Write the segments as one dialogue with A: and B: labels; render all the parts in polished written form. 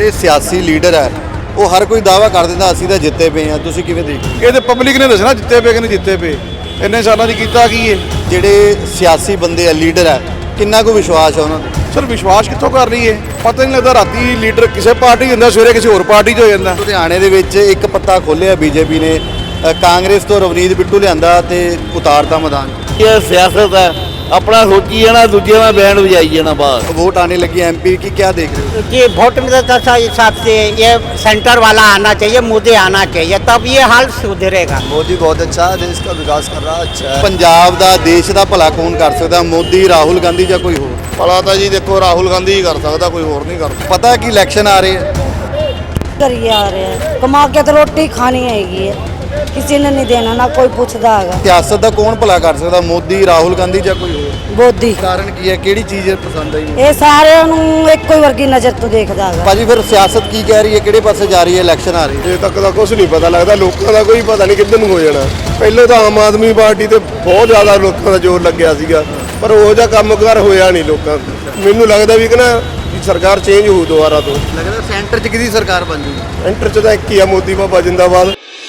A: ਜਿਹੜੇ ਸਿਆਸੀ ਲੀਡਰ ਹੈ ਉਹ ਹਰ ਕੋਈ ਦਾਅਵਾ ਕਰ ਦਿੰਦਾ ਅਸੀਂ ਤਾਂ ਜਿੱਤੇ ਪਏ ਆ, ਤੁਸੀਂ ਕਿਵੇਂ ਦੇਖਦੇ?
B: ਇਹ ਤੇ ਪਬਲਿਕ ਨੇ ਦੱਸਣਾ ਜਿੱਤੇ ਪਏ ਕਿ ਨਹੀਂ ਜਿੱਤੇ ਪਏ। ਇੰਨੇ ਸਾਲਾਂ 'ਚ ਕੀਤਾ ਕੀ ਹੈ?
A: ਜਿਹੜੇ ਸਿਆਸੀ ਬੰਦੇ ਆ ਲੀਡਰ ਹੈ ਕਿੰਨਾ ਕੁ ਵਿਸ਼ਵਾਸ ਹੈ ਉਹਨਾਂ ਤੇ?
B: ਸਰ ਵਿਸ਼ਵਾਸ ਕਿੱਥੋਂ ਕਰ ਰਹੀ ਹੈ? ਪਤਾ ਨਹੀਂ ਲੱਗਦਾ, ਰਾਤੀ ਲੀਡਰ ਕਿਸੇ ਪਾਰਟੀ ਹੁੰਦਾ, ਸਵੇਰੇ ਕਿਸੇ ਹੋਰ ਪਾਰਟੀ 'ਚ ਹੋ ਜਾਂਦਾ।
A: ਲੁਧਿਆਣੇ ਦੇ ਵਿੱਚ ਇੱਕ ਪੱਤਾ ਖੋਲ੍ਹਿਆ ਬੀਜੇਪੀ ਨੇ, ਕਾਂਗਰਸ ਤੋਂ ਰਵਨੀਤ ਬਿੱਟੂ ਲਿਆਂਦਾ ਤੇ ਉਤਾਰਤਾ ਮੈਦਾਨ।
C: ये सियासत है, अपना सोची है ना, दूजे में बैंड बजाई है ना बाहर।
A: वोट आने लगी एमपी की, क्या देख रहे हो?
D: कि वोट में तो हिसाब से ये सेंटर वाला आना चाहिए, मोदी आना चाहिए, तब ये हाल सुधरेगा।
E: मोदी बहुत अच्छा है, देश का विकास कर रहा है, अच्छा है।
A: ਪੰਜਾਬ ਦਾ ਦੇਸ਼ ਦਾ ਭਲਾ ਕੌਣ ਕਰ ਸਕਦਾ? ਮੋਦੀ, ਰਾਹੁਲ ਗਾਂਧੀ ਜਾਂ ਕੋਈ ਹੋਰ?
B: ਭਲਾ ਤਾਂ ਜੀ ਦੇਖੋ ਰਾਹੁਲ ਗਾਂਧੀ ਹੀ ਕਰ ਸਕਦਾ, ਕੋਈ ਹੋਰ ਨਹੀਂ ਕਰ ਸਕਦਾ।
A: ਪਤਾ ਕਿ ਇਲੈਕਸ਼ਨ ਆ ਰਹੇ ਹੈ,
F: करिए आ रहे हैं, कमा के तो रोटी खानी हैगी है, किसी ने नहीं देना, ना कोई पूछता है।
A: ਸਿਆਸਤ ਦਾ ਕੌਣ ਭਲਾ ਕਰ ਸਕਦਾ? ਮੋਦੀ, ਰਾਹੁਲ ਗਾਂਧੀ ਜਾਂ ਕੋਈ ਹੋਰ?
F: मोदी
A: ਕਾਰਨ ਕੀ ਹੈ? ਕਿਹੜੀ ਚੀਜ਼ ਪਸੰਦ ਆਈ?
F: ये सारे ਇੱਕੋ ਵਰਗੀ ਨਜ਼ਰ ਤੋਂ ਦੇਖਦਾ ਹੈਗਾ।
A: ਭਾਜੀ ਫਿਰ ਸਿਆਸਤ ਕੀ ਕਹਿ ਰਹੀ ਹੈ, ਕਿਹੜੇ ਪਾਸੇ ਜਾ ਰਹੀ ਹੈ? ਇਲੈਕਸ਼ਨ ਆ ਰਹੀ ਹੈ,
B: ਅਜੇ ਤੱਕ ਤਾਂ ਕੁਝ ਨਹੀਂ ਪਤਾ ਲੱਗਦਾ, ਲੋਕਾਂ ਦਾ ਕੋਈ ਪਤਾ ਨਹੀਂ ਕਿੱਧਰ ਨੂੰ ਹੋ ਜਾਣਾ। ਪਹਿਲਾਂ ਤਾਂ ਆਮ ਆਦਮੀ ਪਾਰਟੀ ਤੇ ਬਹੁਤ ਜ਼ਿਆਦਾ ਲੋਕਾਂ ਦਾ ਜ਼ੋਰ ਲੱਗਿਆ ਸੀਗਾ, ਪਰ ਉਹ ਜਿਹਾ ਕੰਮਕਾਰ ਹੋਇਆ ਨਹੀਂ ਲੋਕਾਂ ਦਾ। ਮੈਨੂੰ ਲੱਗਦਾ ਵੀ ਕਿ ਨਾ ਸਰਕਾਰ ਚੇਂਜ ਹੋਊ ਦੁਬਾਰਾ ਤੋਂ।
A: ਲੱਗਦਾ ਸੈਂਟਰ 'ਚ ਕਿਹਦੀ ਸਰਕਾਰ ਬਣ ਜੂਗੀ?
B: ਐਂਟਰ 'ਚ ਤਾਂ ਇੱਕ ਹੀ ਆ, ਮੋਦੀ ਬਾਬਾ ਜਿੰਦਾਬਾਦ।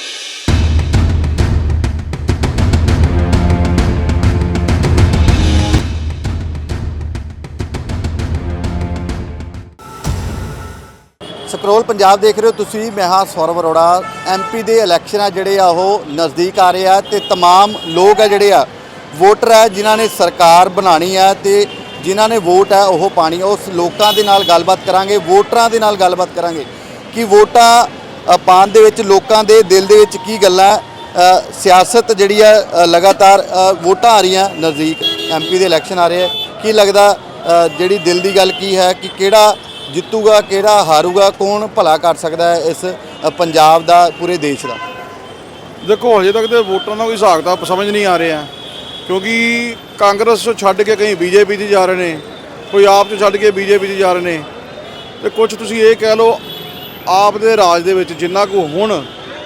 A: ਸਕਰੋਲ ਪੰਜਾਬ ਦੇਖ ਰਹੇ ਹੋ ਤੁਸੀਂ, ਮੈਂ ਹਾਂ ਸੌਰਵ ਅਰੋੜਾ। ਐਮਪੀ ਦੇ ਇਲੈਕਸ਼ਨ ਆ ਜਿਹੜੇ ਆ ਉਹ ਨਜ਼ਦੀਕ ਆ ਰਹੇ ਆ ਤੇ तमाम ਲੋਕ ਆ ਜਿਹੜੇ ਆ ਵੋਟਰ ਆ ਜਿਨ੍ਹਾਂ ਨੇ ਸਰਕਾਰ ਬਣਾਣੀ ਆ ਤੇ ਜਿਨ੍ਹਾਂ ਨੇ ਵੋਟ ਹੈ ਉਹ ਪਾਣੀ। ਉਸ ਲੋਕਾਂ ਦੇ ਨਾਲ ਗੱਲਬਾਤ ਕਰਾਂਗੇ, ਵੋਟਰਾਂ ਦੇ ਨਾਲ ਗੱਲਬਾਤ ਕਰਾਂਗੇ ਕਿ ਵੋਟਾਂ ਪਾਉਣ ਦੇ ਵਿੱਚ ਲੋਕਾਂ ਦੇ ਦਿਲ ਦੇ ਵਿੱਚ ਕੀ ਗੱਲਾਂ। ਸਿਆਸਤ ਜਿਹੜੀ ਆ ਲਗਾਤਾਰ ਵੋਟਾਂ ਆ ਰਹੀਆਂ ਨਜ਼ਦੀਕ, ਐਮਪੀ ਦੇ ਇਲੈਕਸ਼ਨ ਆ ਰਹੇ ਆ, ਕੀ ਲੱਗਦਾ ਜਿਹੜੀ ਦਿਲ ਦੀ ਗੱਲ ਕੀ ਹੈ ਕਿ ਕਿਹੜਾ ਜਿੱਤੂਗਾ, ਕਿਹੜਾ ਹਾਰੂਗਾ, ਕੌਣ ਭਲਾ ਕਰ ਸਕਦਾ ਹੈ ਇਸ ਪੰਜਾਬ ਦਾ, ਪੂਰੇ ਦੇਸ਼ ਦਾ?
B: ਦੇਖੋ ਹਜੇ ਤੱਕ ਤੇ ਵੋਟਾਂ ਦਾ ਕੋਈ ਹਿਸਾਬ ਤਾਂ ਸਮਝ ਨਹੀਂ ਆ ਰਿਹਾ, ਕਿਉਂਕਿ ਕਾਂਗਰਸ ਤੋਂ ਛੱਡ ਕੇ ਕਈ ਬੀਜੇਪੀ 'ਚ ਜਾ ਰਹੇ ਨੇ, ਕੋਈ ਆਪ 'ਚ ਛੱਡ ਕੇ ਬੀਜੇਪੀ 'ਚ ਜਾ ਰਹੇ ਨੇ, ਤੇ ਕੁਝ ਤੁਸੀਂ ਇਹ ਕਹਿ ਲਓ ਆਪ ਦੇ ਰਾਜ ਦੇ ਵਿੱਚ ਜਿੰਨਾ ਕੁ ਹੁਣ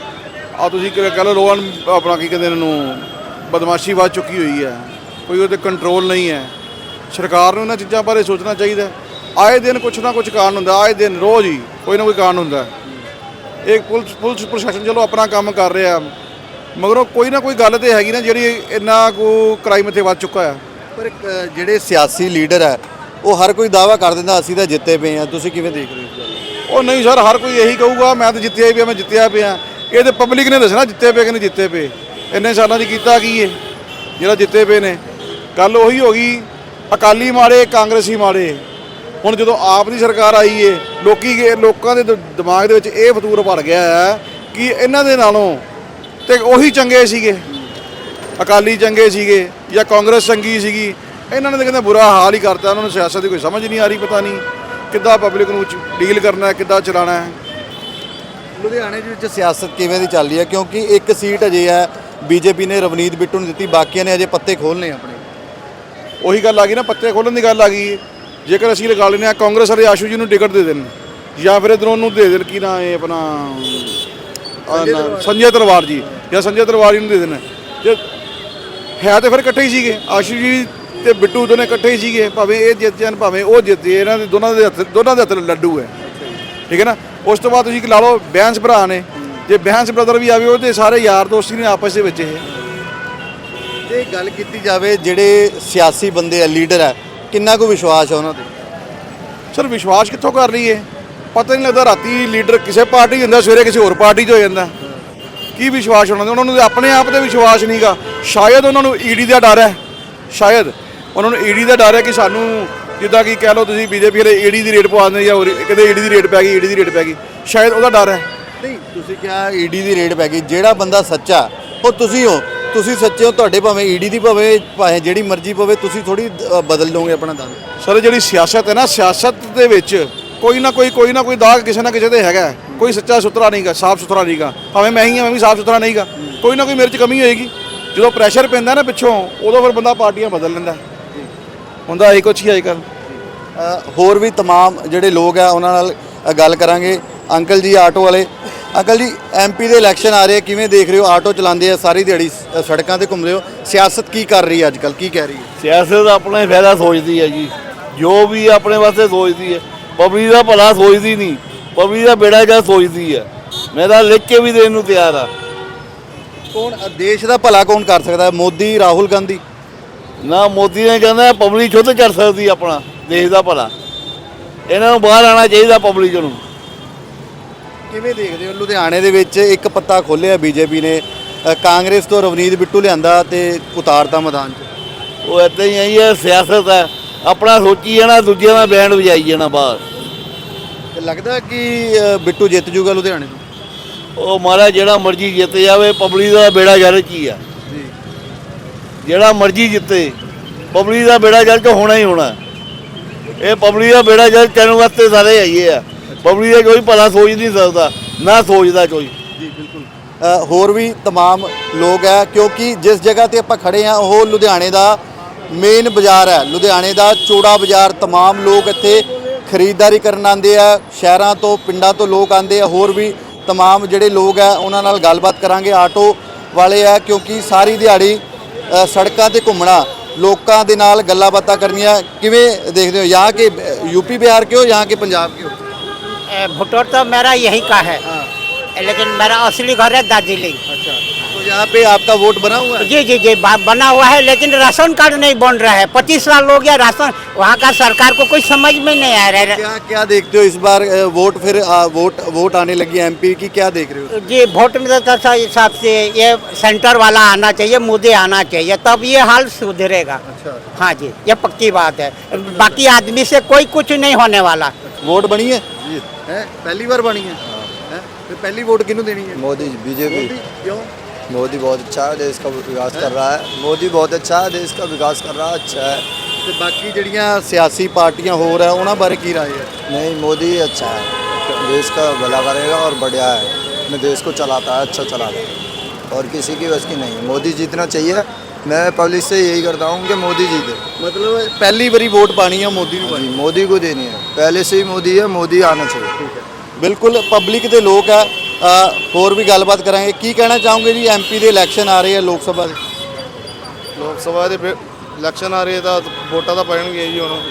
B: ਆ ਤੁਸੀਂ ਕਹਿ ਲਓ ਰੋਹਨ ਆਪਣਾ ਕੀ ਕਹਿੰਦੇ ਇਹਨਾਂ ਨੂੰ ਬਦਮਾਸ਼ੀ ਵੱਧ ਚੁੱਕੀ ਹੋਈ ਹੈ, ਕੋਈ ਉਹਦੇ ਕੰਟਰੋਲ ਨਹੀਂ ਹੈ। ਸਰਕਾਰ ਨੂੰ ਇਹਨਾਂ ਚੀਜ਼ਾਂ ਬਾਰੇ ਸੋਚਣਾ ਚਾਹੀਦਾ। ਆਏ ਦਿਨ ਕੁਛ ਨਾ ਕੁਛ ਕਾਰਨ ਹੁੰਦਾ, ਆਏ ਦਿਨ ਰੋਜ਼ ਹੀ ਕੋਈ ਨਾ ਕੋਈ ਕਾਰਨ ਹੁੰਦਾ। ਇਹ ਪੁਲਿਸ ਪ੍ਰਸ਼ਾਸਨ ਚਲੋ ਆਪਣਾ ਕੰਮ ਕਰ ਰਿਹਾ, ਮਗਰੋਂ ਕੋਈ ਨਾ ਕੋਈ ਗੱਲ ਤੇ ਹੈਗੀ ਨਾ ਜਿਹੜੀ ਇੰਨਾ ਕੁ ਕ੍ਰਾਈਮ ਇੱਥੇ ਵੱਧ ਚੁੱਕਾ ਆ।
A: ਪਰ ਜਿਹੜੇ ਸਿਆਸੀ ਲੀਡਰ ਹੈ ਉਹ ਹਰ ਕੋਈ ਦਾਅਵਾ ਕਰ ਦਿੰਦਾ ਅਸੀਂ ਤਾਂ ਜਿੱਤੇ ਪਏ ਆ, ਤੁਸੀਂ ਕਿਵੇਂ ਦੇਖ ਰਹੇ ਹੋ?
B: ਉਹ ਨਹੀਂ ਸਰ, ਹਰ ਕੋਈ ਇਹੀ ਕਹੂਗਾ ਮੈਂ ਤਾਂ ਜਿੱਤਿਆ ਹੀ ਪਿਆ, ਮੈਂ ਜਿੱਤਿਆ ਪਿਆ। ਇਹ ਤੇ ਪਬਲਿਕ ਨੇ ਦੱਸਣਾ ਜਿੱਤੇ ਪਏ ਕਿ ਨਹੀਂ ਜਿੱਤੇ ਪਏ। ਇੰਨੇ ਸਾਲਾਂ 'ਚ ਕੀਤਾ ਕੀ ਹੈ ਜਿਹੜਾ ਜਿੱਤੇ ਪਏ ਨੇ? ਗੱਲ ਉਹੀ ਹੋ ਗਈ, ਅਕਾਲੀ ਮਾੜੇ, ਕਾਂਗਰਸੀ ਮਾੜੇ। ਹੁਣ ਜਦੋਂ ਆਪ ਦੀ ਸਰਕਾਰ ਆਈ ਏ, ਲੋਕਾਂ ਦੇ ਦਿਮਾਗ ਦੇ ਵਿੱਚ ਇਹ ਫਤੂਰ ਭਰ ਗਿਆ ਹੈ ਕਿ ਇਹਨਾਂ ਦੇ ਨਾਲੋਂ ਤੇ ਉਹੀ ਚੰਗੇ ਸੀਗੇ, ਅਕਾਲੀ ਚੰਗੇ ਸੀਗੇ ਜਾਂ ਕਾਂਗਰਸ ਚੰਗੀ ਸੀਗੀ। ਇਹਨਾਂ ਨੇ ਤਾਂ ਕਹਿੰਦੇ ਬੁਰਾ ਹਾਲ ਹੀ ਕਰਤਾ। ਉਹਨਾਂ ਨੂੰ ਸਿਆਸਤ ਦੀ ਕੋਈ ਸਮਝ ਨਹੀਂ ਆ ਰਹੀ, ਪਤਾ ਨਹੀਂ ਕਿੱਦਾਂ ਪਬਲਿਕ ਨੂੰ ਡੀਲ ਕਰਨਾ ਹੈ, ਕਿੱਦਾਂ ਚਲਾਉਣਾ ਹੈ।
A: ਲੁਧਿਆਣੇ ਦੇ ਵਿੱਚ ਸਿਆਸਤ ਕਿਵੇਂ ਦੀ ਚੱਲ ਰਹੀ ਹੈ? ਕਿਉਂਕਿ ਇੱਕ ਸੀਟ ਅਜੇ ਹੈ ਬੀਜੇਪੀ ਨੇ ਰਵਨੀਤ ਬਿੱਟੂ ਨੂੰ ਦਿੱਤੀ, ਬਾਕੀਆਂ ਨੇ ਅਜੇ ਪੱਤੇ ਖੋਲ੍ਹਣੇ ਆਪਣੇ।
B: ਉਹੀ ਗੱਲ ਆ ਗਈ ਨਾ, ਪੱਤੇ ਖੋਲ੍ਹਣ ਦੀ ਗੱਲ ਆ ਗਈ। ਜੇਕਰ ਅਸੀਂ ਲਗਾ ਲੈਂਦੇ ਹਾਂ ਕਾਂਗਰਸ ਵਾਲੇ ਆਸ਼ੂ ਜੀ ਨੂੰ ਟਿਕਟ ਦੇ ਦੇਣ ਜਾਂ ਫਿਰ ਇੱਧਰੋਂ ਨੂੰ ਦੇ ਦੇਣ, ਕੀ ਨਾ ਇਹ ਆਪਣਾ ਸੰਜੇ ਤਲਵਾਰ ਜੀ ਜਾਂ ਸੰਜੇ ਤਲਵਾਰ ਜੀ ਨੂੰ ਦੇ ਦੇਣ। ਜੇ ਹੈ ਤਾਂ ਫਿਰ ਇਕੱਠੇ ਹੀ ਸੀਗੇ, ਆਸ਼ੂ ਜੀ ਤੇ ਬਿੱਟੂ ਦੋਨੇ ਇਕੱਠੇ ਹੀ ਸੀਗੇ, ਭਾਵੇਂ ਇਹ ਜਿੱਤ ਜਾਣ ਭਾਵੇਂ ਉਹ ਜਿੱਤੇ, ਇਹਨਾਂ ਦੇ ਦੋਨਾਂ ਦੇ ਹੱਥ ਲੱਡੂ ਹੈ, ਠੀਕ ਹੈ ਨਾ। ਉਸ ਤੋਂ ਬਾਅਦ ਤੁਸੀਂ ਲਾ ਲਓ ਬੈਂਸ ਭਰਾ ਨੇ, ਜੇ ਬੈਂਸ ਬ੍ਰਦਰ ਵੀ ਆਵੇ ਉਹਦੇ ਸਾਰੇ ਯਾਰ ਦੋਸਤ ਨੇ ਆਪਸ ਦੇ ਵਿੱਚ। ਇਹ
A: ਜੇ ਗੱਲ ਕੀਤੀ ਜਾਵੇ ਜਿਹੜੇ ਸਿਆਸੀ ਬੰਦੇ ਆ ਲੀਡਰ ਹੈ ਕਿੰਨਾ ਕੁ ਵਿਸ਼ਵਾਸ ਹੈ ਉਹਨਾਂ ਤੇ?
B: ਸਰ ਵਿਸ਼ਵਾਸ ਕਿੱਥੋਂ ਕਰ ਰਹੀ ਹੈ? ਪਤਾ ਨਹੀਂ ਲੱਗਦਾ, ਰਾਤੀ ਲੀਡਰ ਕਿਸੇ ਪਾਰਟੀ ਹੁੰਦਾ, ਸਵੇਰੇ ਕਿਸੇ ਹੋਰ ਪਾਰਟੀ 'ਚ ਹੋ ਜਾਂਦਾ। ਕੀ ਵਿਸ਼ਵਾਸ ਉਹਨਾਂ ਨੂੰ ਆਪਣੇ ਆਪ ਤੇ ਵਿਸ਼ਵਾਸ ਨਹੀਂਗਾ। ਸ਼ਾਇਦ ਉਹਨਾਂ ਨੂੰ ਈਡੀ ਦਾ ਡਰ ਹੈ, ਸ਼ਾਇਦ ਉਹਨਾਂ ਨੂੰ ਈਡੀ ਦਾ ਡਰ ਹੈ ਕਿ ਸਾਨੂੰ ਜਿੱਦਾਂ ਕਿ ਕਹਿ ਲਓ ਤੁਸੀਂ ਬੀਜੇਪੀ ਵਾਲੇ ਈਡੀ ਦੀ ਰੇਟ ਪਵਾ ਦਿੰਦੇ ਜਾਂ ਕਿਤੇ ਈਡੀ ਦੀ ਰੇਟ ਪੈ ਗਈ, ਈਡੀ ਦੀ ਰੇਟ ਪੈ ਗਈ, ਸ਼ਾਇਦ ਉਹਦਾ ਡਰ ਹੈ।
A: ਨਹੀਂ ਤੁਸੀਂ ਕਿਹਾ ਈਡੀ ਦੀ ਰੇਟ ਪੈ ਗਈ, ਜਿਹੜਾ ਬੰਦਾ ਸੱਚਾ ਉਹ ਤੁਸੀਂ ਹੋ, ਤੁਸੀਂ ਸੱਚੇ ਹੋ, ਤੁਹਾਡੇ ਭਾਵੇਂ ਈਡੀ ਦੀ ਭਾਵੇਂ ਜਿਹੜੀ ਮਰਜ਼ੀ ਪਵੇ, ਤੁਸੀਂ ਥੋੜੀ ਬਦਲ ਲਓਗੇ ਆਪਣਾ ਦੰਦ।
B: ਸਰ ਜਿਹੜੀ ਸਿਆਸਤ ਹੈ ਨਾ, ਸਿਆਸਤ ਦੇ ਵਿੱਚ ਕੋਈ ਨਾ ਕੋਈ ਦਾਗ ਕਿਸੇ ਨਾ ਕਿਸੇ ਤੇ ਹੈਗਾ। ਕੋਈ ਸੱਚਾ ਸੁਥਰਾ ਨਹੀਂਗਾ, ਸਾਫ਼ ਸੁਥਰਾ ਨਹੀਂਗਾ। ਭਾਵੇਂ ਮੈਂ ਹੀ ਹਾਂ, ਮੈਂ ਵੀ ਸਾਫ਼ ਸੁਥਰਾ ਨਹੀਂਗਾ। ਕੋਈ ਨਾ ਕੋਈ ਮੇਰੇ 'ਚ ਕਮੀ ਹੋਏਗੀ। ਜਦੋਂ ਪ੍ਰੈਸ਼ਰ ਪੈਂਦਾ ਨਾ ਪਿੱਛੋਂ, ਉਦੋਂ ਫਿਰ ਬੰਦਾ ਪਾਰਟੀਆਂ ਬਦਲ ਲੈਂਦਾ ਹੁੰਦਾ। ਇਹ ਕੁਛ ਹੀ ਅੱਜ ਕੱਲ੍ਹ
A: ਹੋਰ ਵੀ तमाम ਜਿਹੜੇ ਲੋਕ ਆ ਉਹਨਾਂ ਨਾਲ ਗੱਲ ਕਰਾਂਗੇ। ਅੰਕਲ ਜੀ ਆਟੋ ਵਾਲੇ, ਅੰਕਲ ਜੀ ਐਮਪੀ ਦੇ ਇਲੈਕਸ਼ਨ ਆ ਰਹੇ, ਕਿਵੇਂ ਦੇਖ ਰਹੇ ਹੋ? ਆਟੋ ਚਲਾਉਂਦੇ ਆ, ਸਾਰੀ ਦਿਹਾੜੀ ਸੜਕਾਂ ਤੇ ਘੁੰਮਦੇ ਹੋ, ਸਿਆਸਤ ਕੀ ਕਰ ਰਹੀ ਹੈ ਅੱਜ ਕੱਲ੍ਹ, ਕੀ ਕਹਿ ਰਹੀ ਹੈ?
C: ਸਿਆਸਤ ਆਪਣੇ ਫਾਇਦਾ ਸੋਚਦੀ ਹੈ ਜੀ, ਜੋ ਵੀ ਆਪਣੇ ਵਾਸਤੇ ਸੋਚਦੀ ਹੈ, ਪਬਲਿਕ ਦਾ ਭਲਾ ਸੋਚਦੀ ਨਹੀਂ। ਪਬਲਿਕ ਦਾ ਬੇੜਾ ਜਾਂ ਸੋਚਦੀ ਹੈ। ਮੈਂ ਤਾਂ ਲਿਖ ਕੇ ਵੀ ਦੇਣ ਨੂੰ ਤਿਆਰ ਆ।
A: ਕੌਣ ਦੇਸ਼ ਦਾ ਭਲਾ ਕੌਣ ਕਰ ਸਕਦਾ ਹੈ? ਮੋਦੀ, ਰਾਹੁਲ ਗਾਂਧੀ?
C: ਨਾ ਮੋਦੀ ਨੇ ਕਹਿੰਦਾ ਪਬਲਿਕ ਖੁਦ ਕਰ ਸਕਦੀ ਆਪਣਾ ਦੇਸ਼ ਦਾ ਭਲਾ। ਇਹਨਾਂ ਨੂੰ ਬਾਹਰ ਆਉਣਾ ਚਾਹੀਦਾ ਪਬਲਿਕ ਨੂੰ।
A: ਕਿਵੇਂ ਦੇਖਦੇ ਹੋ ਲੁਧਿਆਣੇ ਦੇ ਵਿੱਚ ਇੱਕ ਪੱਤਾ ਖੋਲ੍ਹਿਆ ਬੀਜੇਪੀ ਨੇ, ਕਾਂਗਰਸ ਤੋਂ ਰਵਨੀਤ ਬਿੱਟੂ ਲਿਆਂਦਾ ਤੇ ਉਤਾਰਤਾ ਮੈਦਾਨ 'ਚ?
C: ਉਹ ਇੱਦਾਂ ਹੀ ਆਈ ਹੈ, ਸਿਆਸਤ ਹੈ। ਆਪਣਾ ਸੋਚੀ ਜਾਣਾ, ਦੂਜਿਆਂ ਦਾ ਬੈਂਡ ਵਜਾਈ ਜਾਣਾ ਬਾਹਰ।
A: ਤੇ ਲੱਗਦਾ ਕਿ ਬਿੱਟੂ ਜਿੱਤ ਜੂਗਾ ਲੁਧਿਆਣੇ ਤੋਂ?
C: ਉਹ ਮਹਾਰਾਜ ਜਿਹੜਾ ਮਰਜ਼ੀ ਜਿੱਤ ਜਾਵੇ, ਪਬਲਿਕ ਦਾ ਬੇੜਾ ਗਰਕ ਕੀ ਆ।
A: ਜੀ।
C: ਜਿਹੜਾ ਮਰਜ਼ੀ ਜਿੱਤੇ, ਪਬਲਿਕ ਦਾ ਬੇੜਾ ਗਰਕ ਹੋਣਾ ਹੀ ਹੋਣਾ। ਇਹ ਪਬਲਿਕ ਦਾ ਬੇੜਾ ਗਰਕ ਕਰਨ ਵਾਸਤੇ ਸਾਰੇ ਆਈਏ ਆ। ਪਬਲਿਕ ਦਾ ਕੋਈ ਭਲਾ ਸੋਚ ਨਹੀਂ ਸਕਦਾ, ਨਾ ਸੋਚਦਾ ਕੋਈ।
A: ਜੀ ਬਿਲਕੁਲ। ਹੋਰ ਵੀ तमाम ਲੋਕ ਹੈ, ਕਿਉਂਕਿ ਜਿਸ ਜਗ੍ਹਾ ਤੇ ਆਪਾਂ ਖੜੇ ਆ ਉਹ ਲੁਧਿਆਣੇ ਦਾ ਮੇਨ ਬਾਜ਼ਾਰ ਹੈ, ਲੁਧਿਆਣੇ ਦਾ ਚੌੜਾ ਬਾਜ਼ਾਰ। तमाम ਲੋਕ ਇੱਥੇ ਖਰੀਦਦਾਰੀ ਕਰਨ ਆਉਂਦੇ ਆ, ਸ਼ਹਿਰਾਂ ਤੋਂ ਪਿੰਡਾਂ ਤੋਂ ਲੋਕ ਆਉਂਦੇ ਆ। ਹੋਰ ਵੀ तमाम ਜਿਹੜੇ ਲੋਕ ਹੈ ਉਹਨਾਂ ਨਾਲ ਗੱਲਬਾਤ ਕਰਾਂਗੇ। ਆਟੋ ਵਾਲੇ ਆ, ਕਿਉਂਕਿ ਸਾਰੀ ਦਿਹਾੜੀ ਸੜਕਾਂ ਤੇ ਘੁੰਮਣਾ, ਲੋਕਾਂ ਦੇ ਨਾਲ ਗੱਲਾਂ ਬਾਤਾਂ ਕਰਨੀਆਂ। ਕਿਵੇਂ ਦੇਖਦੇ ਹੋ? यहाँ के यूपी बिहार के हो, यहाँ के पंजाब के हो?
D: भुट्टो तो मेरा यही का है, लेकिन मेरा असली घर है दार्जिलिंग।
A: अच्छा, तो यहाँ पे आपका वोट बना हुआ है?
D: जी जी जी बना हुआ है, लेकिन राशन कार्ड नहीं बन रहा है। 25 साल हो गया राशन, वहाँ का सरकार को कुछ समझ में नहीं आ रहा है।
A: क्या क्या देखते हो इस बार वोट फिर वोट आने लगी एमपी की, क्या देख रहे हो?
D: जी वोट में तो हिसाब से ये सेंटर वाला आना चाहिए, मोदी आना चाहिए, तब ये हाल सुधरेगा।
A: अच्छा,
D: हाँ जी, ये पक्की बात है। बाकी आदमी से कोई कुछ नहीं होने वाला।
A: वोट बनी है? जी है, पहली बार बनी है। हैं? फिर पहली वोट किन्हों देनी है?
E: मोदी बीजेपी।
A: क्यों?
E: मोदी बहुत अच्छा है, देश का विकास कर रहा है। मोदी बहुत अच्छा है, देश का विकास कर रहा है, अच्छा है।
A: ਤੇ ਬਾਕੀ ਜਿਹੜੀਆਂ ਸਿਆਸੀ ਪਾਰਟੀਆਂ ਹੋਰ ਹੈ ਉਹਨਾਂ ਬਾਰੇ ਕੀ ਰਾਏ ਹੈ?
E: नहीं, मोदी ही अच्छा है, देश का भला करेगा और बढ़िया है। अपने देश को चलाता है, अच्छा चलाता है, और किसी की बस की नहीं। मोदी जीतना चाहिए। मैं पब्लिक से यही करता हूँ कि मोदी जीते।
A: ਮਤਲਬ ਪਹਿਲੀ ਵਾਰੀ ਵੋਟ ਪਾਣੀ ਹੈ ਮੋਦੀ ਨੂੰ ਪਾਣੀ?
E: मोदी को देनी है, पहले से ही मोदी है, मोदी आना चाहिए।
A: ਬਿਲਕੁਲ ਪਬਲਿਕ ਦੇ ਲੋਕ ਆ। ਹੋਰ ਵੀ ਗੱਲਬਾਤ ਕਰਾਂਗੇ। ਕੀ ਕਹਿਣਾ ਚਾਹੋਗੇ ਜੀ? ਐਮਪੀ ਦੇ ਇਲੈਕਸ਼ਨ ਆ ਰਹੇ ਆ, ਲੋਕ ਸਭਾ ਦੇ।
B: ਲੋਕ ਸਭਾ ਦੇ ਇਲੈਕਸ਼ਨ ਆ ਰਹੇ ਤਾਂ ਵੋਟਾਂ ਤਾਂ ਪੈਣਗੀਆਂ ਜੀ ਹੁਣ।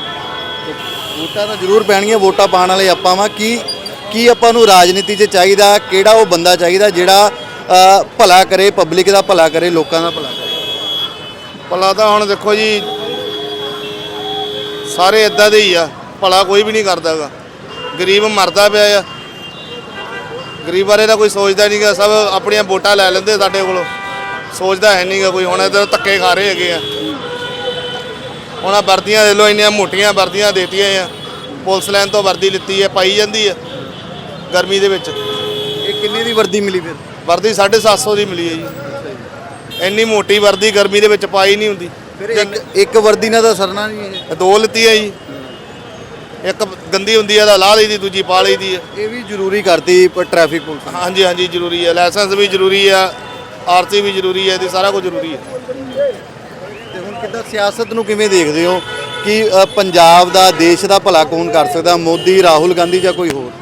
A: ਵੋਟਾਂ ਤਾਂ ਜ਼ਰੂਰ ਪੈਣਗੀਆਂ, ਵੋਟਾਂ ਪਾਉਣ ਵਾਲੇ ਆਪਾਂ ਵਾਂ। ਕੀ ਆਪਾਂ ਨੂੰ ਰਾਜਨੀਤੀ 'ਚ ਚਾਹੀਦਾ? ਕਿਹੜਾ ਉਹ ਬੰਦਾ ਚਾਹੀਦਾ ਜਿਹੜਾ ਭਲਾ ਕਰੇ, ਪਬਲਿਕ ਦਾ ਭਲਾ ਕਰੇ, ਲੋਕਾਂ ਦਾ ਭਲਾ ਕਰੇ?
B: ਭਲਾ ਤਾਂ ਹੁਣ ਦੇਖੋ ਜੀ, ਸਾਰੇ ਇਦਾਂ ਦੇ ਹੀ ਆ। ਭਲਾ ਕੋਈ ਵੀ ਨਹੀਂ ਕਰਦਾਗਾ। ਗਰੀਬ ਮਰਦਾ ਪਿਆ ਆ। ਗਰੀਬ ਬਾਰੇ ਤਾਂ ਕੋਈ ਸੋਚਦਾ ਨਹੀਂਗਾ। ਸਭ ਆਪਣੀਆਂ ਵੋਟਾਂ ਲੈ ਲੈਂਦੇ ਸਾਡੇ ਕੋਲੋਂ, ਸੋਚਦਾ ਹੈ ਨਹੀਂਗਾ ਕੋਈ। ਹੁਣ ਇੱਧਰ ਧੱਕੇ ਖਾ ਰਹੇ ਹੈਗੇ ਆ। ਹੁਣ ਆਹ ਵਰਦੀਆਂ ਦੇ ਲੋ, ਇੰਨੀਆਂ ਮੋਟੀਆਂ ਵਰਦੀਆਂ ਦੇਤੀਆਂ ਆ। ਪੁਲਿਸ ਲਾਈਨ ਤੋਂ ਵਰਦੀ ਲਿੱਤੀ ਹੈ, ਪਾਈ ਜਾਂਦੀ ਹੈ ਗਰਮੀ ਦੇ ਵਿੱਚ।
A: ਇਹ ਕਿੰਨੇ ਦੀ ਵਰਦੀ ਮਿਲੀ ਫਿਰ?
B: ਵਰਦੀ 750 ਦੀ ਮਿਲੀ ਹੈ ਜੀ। ਇੰਨੀ ਮੋਟੀ ਵਰਦੀ ਗਰਮੀ ਦੇ ਵਿੱਚ ਪਾਈ ਨਹੀਂ ਹੁੰਦੀ।
A: ਫਿਰ ਇੱਕ ਵਰਦੀ ਨਾਲ ਤਾਂ ਸਰਨਾ ਨਹੀਂ ਇਹ।
B: ਦੋ ਲਿੱਤੀ ਹੈ ਜੀ। ਇੱਕ ਗੰਦੀ ਹੁੰਦੀ ਹੈ ਤਾਂ ਲਾਹ ਲਈ ਦੀ, ਦੂਜੀ ਪਾ ਲਈ ਦੀ ਹੈ।
A: ਇਹ ਵੀ ਜ਼ਰੂਰੀ ਕਰਤੀ ਟ੍ਰੈਫਿਕ ਪੁਲਿਸ ਨੇ।
B: ਹਾਂਜੀ ਹਾਂਜੀ ਜ਼ਰੂਰੀ ਹੈ। ਲਾਇਸੈਂਸ ਵੀ ਜ਼ਰੂਰੀ ਆ, ਆਰਸੀ ਵੀ ਜ਼ਰੂਰੀ ਹੈ, ਤੇ ਸਾਰਾ ਕੁਝ ਜ਼ਰੂਰੀ ਹੈ।
A: ਤੇ ਹੁਣ ਕਿੱਦਾਂ ਸਿਆਸਤ ਨੂੰ ਕਿਵੇਂ ਦੇਖਦੇ ਹੋ ਕਿ ਪੰਜਾਬ ਦਾ, ਦੇਸ਼ ਦਾ ਭਲਾ ਕੌਣ ਕਰ ਸਕਦਾ? ਮੋਦੀ, ਰਾਹੁਲ ਗਾਂਧੀ ਜਾਂ ਕੋਈ ਹੋਰ?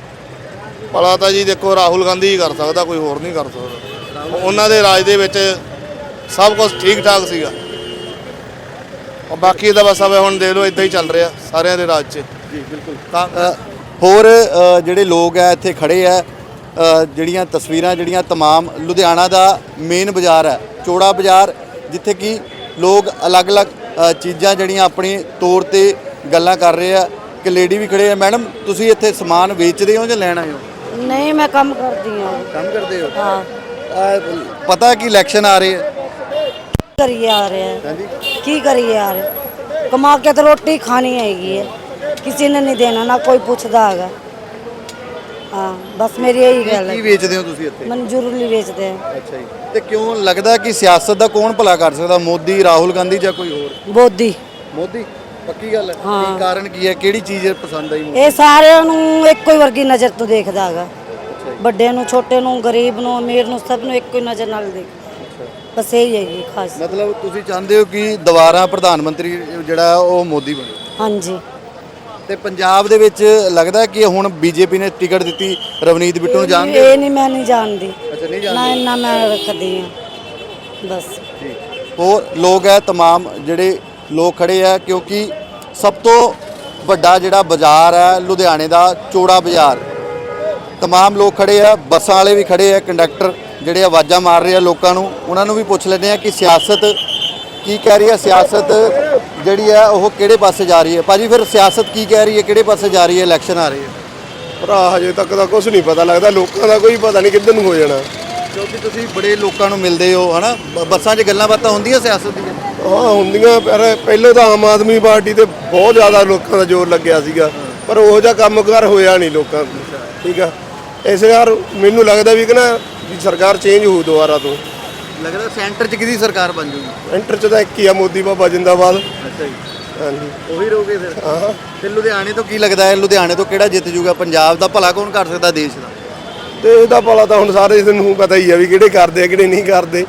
B: ਭਲਾ ਤਾਂ ਜੀ ਦੇਖੋ ਰਾਹੁਲ ਗਾਂਧੀ ਹੀ ਕਰ ਸਕਦਾ, ਕੋਈ ਹੋਰ ਨਹੀਂ ਕਰ ਸਕਦਾ। ਉਹਨਾਂ ਦੇ ਰਾਜ ਦੇ ਵਿੱਚ ਸਭ ਕੁਝ ਠੀਕ ਠਾਕ ਸੀਗਾ। और बाकी तो बस अब हम देख लो इदा ही चल रहा सारे दे राज च
A: जी बिल्कुल। होर ਜਿਹੜੇ ਲੋਕ ਹੈ ਇੱਥੇ ਖੜੇ ਆ, ਜਿਹੜੀਆਂ ਤਸਵੀਰਾਂ ਜਿਹੜੀਆਂ तमाम ਲੁਧਿਆਣਾ ਦਾ ਮੇਨ ਬਾਜ਼ਾਰ ਹੈ, ਚੌੜਾ ਬਾਜ਼ਾਰ, ਜਿੱਥੇ ਕਿ ਲੋਕ ਅਲੱਗ-ਅਲੱਗ ਚੀਜ਼ਾਂ ਜਿਹੜੀਆਂ ਆਪਣੀ ਤੌਰ ਤੇ ਗੱਲਾਂ ਕਰ ਰਹੇ ਆ। ਕਿ ਲੇਡੀ ਵੀ ਖੜੇ ਆ। ਮੈਡਮ ਤੁਸੀਂ ਇੱਥੇ ਸਮਾਨ ਵੇਚਦੇ ਹੋ ਜਾਂ ਲੈਣ ਆਏ ਹੋ?
F: नहीं मैं कम करती हूँ।
A: ਕੰਮ ਕਰਦੇ ਹੋ?
F: हाँ
A: ਪਤਾ ਕਿ ਇਲੈਕਸ਼ਨ ਆ ਰਹੇ ਆ?
F: करिए आ रहे हैं,
A: ਹਾਂਜੀ।
F: की करिए आ रहे, कमा के तो रोटी खानी हैगी है, किसी ने नहीं देना, ना कोई पूछता हैगा। हाँ बस मेरी यही गल
A: ਕੀ
F: है।
A: ਵੇਚਦੇ ਹੋ ਤੁਸੀਂ ਇੱਥੇ?
F: मंजूरी बेचते हैं।
A: ਅੱਛਾ ਜੀ। ਤੇ ਕਿਉਂ ਲੱਗਦਾ ਕਿ ਸਿਆਸਤ ਦਾ ਕੌਣ ਭਲਾ ਕਰ ਸਕਦਾ? ਮੋਦੀ, ਰਾਹੁਲ ਗਾਂਧੀ ਜਾਂ ਕੋਈ ਹੋਰ?
F: बोधी
A: ਮੋਦੀ ਪੱਕੀ ਗੱਲ ਹੈ।
F: ਹਾਂ।
A: ਕੀ ਕਾਰਨ ਕੀ ਹੈ? ਕਿਹੜੀ ਚੀਜ਼ ਪਸੰਦ ਆਈ?
F: ਇਹ ਸਾਰਿਆਂ ਨੂੰ ਇੱਕੋ ਹੀ ਵਰਗੀ ਨਜ਼ਰ ਤੋਂ ਦੇਖਦਾ ਹੈਗਾ। ਵੱਡੇ ਨੂੰ, ਛੋਟੇ ਨੂੰ, ਗਰੀਬ ਨੂੰ, ਅਮੀਰ ਨੂੰ, ਸਭ ਨੂੰ ਇੱਕੋ ਹੀ ਨਜ਼ਰ ਨਾਲ ਦੇਖਦਾ। ਬਸ ਇਹ ਹੈਗੀ ਖਾਸ।
A: ਮਤਲਬ ਤੁਸੀਂ ਚਾਹੁੰਦੇ ਹੋ ਕਿ ਦੁਬਾਰਾ ਪ੍ਰਧਾਨ ਮੰਤਰੀ ਜਿਹੜਾ ਉਹ ਮੋਦੀ ਬਣੇ?
F: ਹਾਂਜੀ।
A: ਤੇ ਪੰਜਾਬ ਦੇ ਵਿੱਚ ਲੱਗਦਾ ਕਿ ਹੁਣ ਬੀਜੇਪੀ ਨੇ ਟਿਕਟ ਦਿੱਤੀ ਰਵਨੀਤ ਬਿੱਟੂ ਨੂੰ, ਜਾਣਦੇ ਹੋ?
F: ਇਹ ਨਹੀਂ, ਮੈਂ ਨਹੀਂ ਜਾਣਦੀ।
A: ਅੱਛਾ, ਨਹੀਂ
F: ਨਾ
A: ਜਾਣਦੇ।
F: ਇੰਨਾ ਮੈਂ ਰੱਖਦੀ ਹਾਂ ਬਸ।
A: ਹੋਰ ਲੋਕ ਹੈ तमाम ਜਿਹੜੇ ਲੋਕ ਖੜੇ ਆ, ਕਿਉਂਕਿ ਸਭ ਤੋਂ ਵੱਡਾ ਜਿਹੜਾ ਬਾਜ਼ਾਰ ਹੈ ਲੁਧਿਆਣੇ ਦਾ ਚੌੜਾ ਬਾਜ਼ਾਰ। तमाम लोग खड़े आ, ਬੱਸਾਂ ਵਾਲੇ ਵੀ ਖੜੇ ਆ, ਕੰਡਕਟਰ ਜਿਹੜੇ ਆਵਾਜ਼ਾਂ ਮਾਰ ਰਹੇ ਆ ਲੋਕਾਂ ਨੂੰ। ਉਹਨਾਂ ਨੂੰ ਵੀ ਪੁੱਛ ਲੈਂਦੇ ਆ ਕਿ ਸਿਆਸਤ ਕੀ ਕਹਿ ਰਹੀ ਹੈ, ਸਿਆਸਤ ਜਿਹੜੀ ਹੈ ਉਹ ਕਿਹੜੇ ਪਾਸੇ ਜਾ ਰਹੀ ਹੈ। ਭਾਜੀ ਫਿਰ ਸਿਆਸਤ ਕੀ ਕਹਿ ਰਹੀ ਹੈ, ਕਿਹੜੇ ਪਾਸੇ ਜਾ ਰਹੀ ਹੈ? ਇਲੈਕਸ਼ਨ ਆ ਰਹੀ ਹੈ
G: ਭਰਾ, ਹਜੇ ਤੱਕ ਤਾਂ ਕੁਝ ਨਹੀਂ ਪਤਾ ਲੱਗਦਾ। ਲੋਕਾਂ ਦਾ ਕੋਈ ਪਤਾ ਨਹੀਂ ਕਿੱਧਰ ਨੂੰ ਹੋ ਜਾਣਾ।
A: ਕਿਉਂਕਿ ਤੁਸੀਂ ਬੜੇ ਲੋਕਾਂ ਨੂੰ ਮਿਲਦੇ ਹੋ ਹਨਾ, ਬੱਸਾਂ 'ਚ ਗੱਲਾਂ ਬਾਤਾਂ ਹੁੰਦੀਆਂ ਸਿਆਸਤ ਦੀਆਂ?
G: ਹਾਂ ਹੁੰਦੀਆਂ, ਪਰ ਪਹਿਲਾਂ ਤਾਂ ਆਮ ਆਦਮੀ ਪਾਰਟੀ ਤੇ ਬਹੁਤ ਜ਼ਿਆਦਾ ਲੋਕਾਂ ਦਾ ਜ਼ੋਰ ਲੱਗਿਆ ਸੀਗਾ, ਪਰ ਉਹੋ ਜਿਹਾ ਕੰਮਕਾਰ ਹੋਇਆ ਨਹੀਂ ਲੋਕਾਂ ਦਾ। ਠੀਕ ਆ, ਇਸ ਵਾਰ ਮੈਨੂੰ ਲੱਗਦਾ ਵੀ ਕਿ ਨਾ ਵੀ ਸਰਕਾਰ ਚੇਂਜ ਹੋਊ ਦੁਬਾਰਾ ਤੋਂ।
A: ਲੱਗਦਾ ਸੈਂਟਰ 'ਚ ਕਿਹਦੀ ਸਰਕਾਰ ਬਣ ਜੂਗੀ?
G: ਐਂਟਰ 'ਚ ਤਾਂ ਇੱਕ ਹੀ ਆ, ਮੋਦੀ ਬਾਬਾ ਜਿੰਦਾਬਾਦ।
A: ਅੱਛਾ ਜੀ,
G: ਹਾਂਜੀ,
A: ਉਹੀ ਰਹੋਗੇ ਫਿਰ?
G: ਹਾਂ।
A: ਤੇ ਲੁਧਿਆਣੇ ਤੋਂ ਕੀ ਲੱਗਦਾ ਹੈ, ਲੁਧਿਆਣੇ ਤੋਂ ਕਿਹੜਾ ਜਿੱਤ ਜੂਗਾ? ਪੰਜਾਬ ਦਾ ਭਲਾ ਕੌਣ ਕਰ ਸਕਦਾ ਦੇਸ਼ ਦਾ?
G: ਤੇ ਇਹਦਾ ਭਲਾ ਤਾਂ ਹੁਣ ਸਾਰੇ ਨੂੰ ਪਤਾ ਹੀ ਆ ਵੀ ਕਿਹੜੇ ਕਰਦੇ ਆ ਕਿਹੜੇ ਨਹੀਂ ਕਰਦੇ।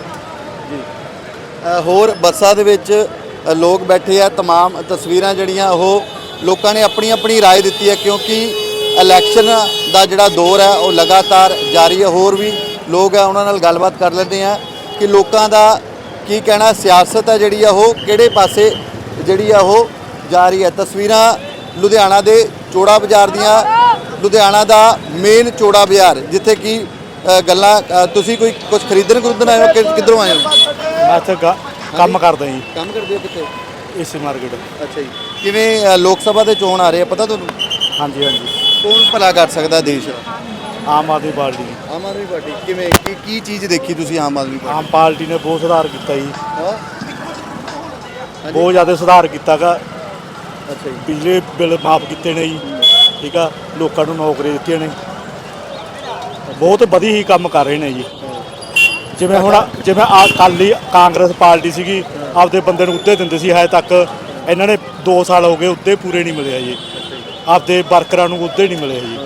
A: ਹੋਰ ਬੱਸਾਂ ਦੇ ਵਿੱਚ ਲੋਕ ਬੈਠੇ ਆ। तमाम ਤਸਵੀਰਾਂ ਜਿਹੜੀਆਂ ਉਹ ਲੋਕਾਂ ਨੇ ਆਪਣੀ ਆਪਣੀ رائے ਦਿੱਤੀ ਹੈ, ਕਿਉਂਕਿ ਇਲੈਕਸ਼ਨ ਦਾ ਜਿਹੜਾ ਦੌਰ ਹੈ ਉਹ ਲਗਾਤਾਰ ਜਾਰੀ ਹੈ। ਹੋਰ ਵੀ ਲੋਕ ਆ, ਉਹਨਾਂ ਨਾਲ ਗੱਲਬਾਤ ਕਰ ਲੈਂਦੇ ਆ ਕਿ ਲੋਕਾਂ ਦਾ ਕੀ ਕਹਿਣਾ, ਸਿਆਸਤ ਹੈ ਜਿਹੜੀ ਆ ਉਹ ਕਿਹੜੇ ਪਾਸੇ ਜਿਹੜੀ ਆ ਉਹ ਜਾ ਰਹੀ ਹੈ। ਤਸਵੀਰਾਂ ਲੁਧਿਆਣਾ ਦੇ ਚੌੜਾ ਬਾਜ਼ਾਰ ਦੀਆਂ, ਲੁਧਿਆਣਾ ਦਾ ਮੇਨ ਚੌੜਾ ਬਾਜ਼ਾਰ, ਜਿੱਥੇ ਕਿ ਗੱਲਾਂ ਤੁਸੀਂ ਕੋਈ ਕੁਝ ਖਰੀਦਣ ਆਏ ਹੋ? ਕਿੱਧਰੋਂ ਆਏ ਹੋ?
H: ਮੈਂ ਇੱਥੇ ਕੰਮ ਕਰਦਾ ਜੀ,
A: ਕੰਮ ਕਰਦੇ ਹੋ ਕਿੱਥੇ?
H: ਇਸੇ ਮਾਰਕੀਟ।
A: ਅੱਛਾ ਜੀ, ਕਿਵੇਂ ਲੋਕ ਸਭਾ ਦੇ ਚੋਣ ਆ ਰਹੇ ਆ, ਪਤਾ ਤੁਹਾਨੂੰ?
H: ਹਾਂਜੀ ਹਾਂਜੀ,
A: ਕੌਣ ਭਲਾ ਕਰ ਸਕਦਾ ਦੇਸ਼ ਦਾ?
H: ਆਮ ਆਦਮੀ ਪਾਰਟੀ।
A: ਆਮ ਆਦਮੀ ਪਾਰਟੀ। ਕਿਵੇਂ ਕੀ ਚੀਜ਼ ਦੇਖੀ ਤੁਸੀਂ ਆਮ ਆਦਮੀ ਪਾਰਟੀ?
H: ਆਮ ਪਾਰਟੀ ਨੇ ਬਹੁਤ ਸੁਧਾਰ ਕੀਤਾ ਜੀ,
A: ਹਾਂ,
H: ਬਹੁਤ ਜ਼ਿਆਦਾ ਸੁਧਾਰ ਕੀਤਾ ਗਾ।
A: ਅੱਛਾ ਜੀ,
H: ਬਿਜਲੀ ਬਿੱਲ ਮਾਫ ਕੀਤੇ ਨੇ ਜੀ। ਠੀਕ ਆ, ਲੋਕਾਂ ਨੂੰ ਨੌਕਰੀ ਦਿੱਤੀਆਂ ਨੇ, ਬਹੁਤ ਵਧੀਆ ਹੀ ਕੰਮ ਕਰ ਰਹੇ ਨੇ ਜੀ। ਜਿਵੇਂ ਅਕਾਲੀ ਕਾਂਗਰਸ ਪਾਰਟੀ ਸੀਗੀ, ਆਪਦੇ ਬੰਦੇ ਨੂੰ ਅਹੁਦੇ ਦਿੰਦੇ ਸੀ, ਹਜੇ ਤੱਕ ਇਹਨਾਂ ਨੇ 2 ਸਾਲ ਹੋ ਗਏ ਅਹੁਦੇ ਪੂਰੇ ਨਹੀਂ ਮਿਲਿਆ ਜੀ, ਆਪਦੇ ਵਰਕਰਾਂ ਨੂੰ ਅਹੁਦੇ ਨਹੀਂ ਮਿਲੇ ਜੀ।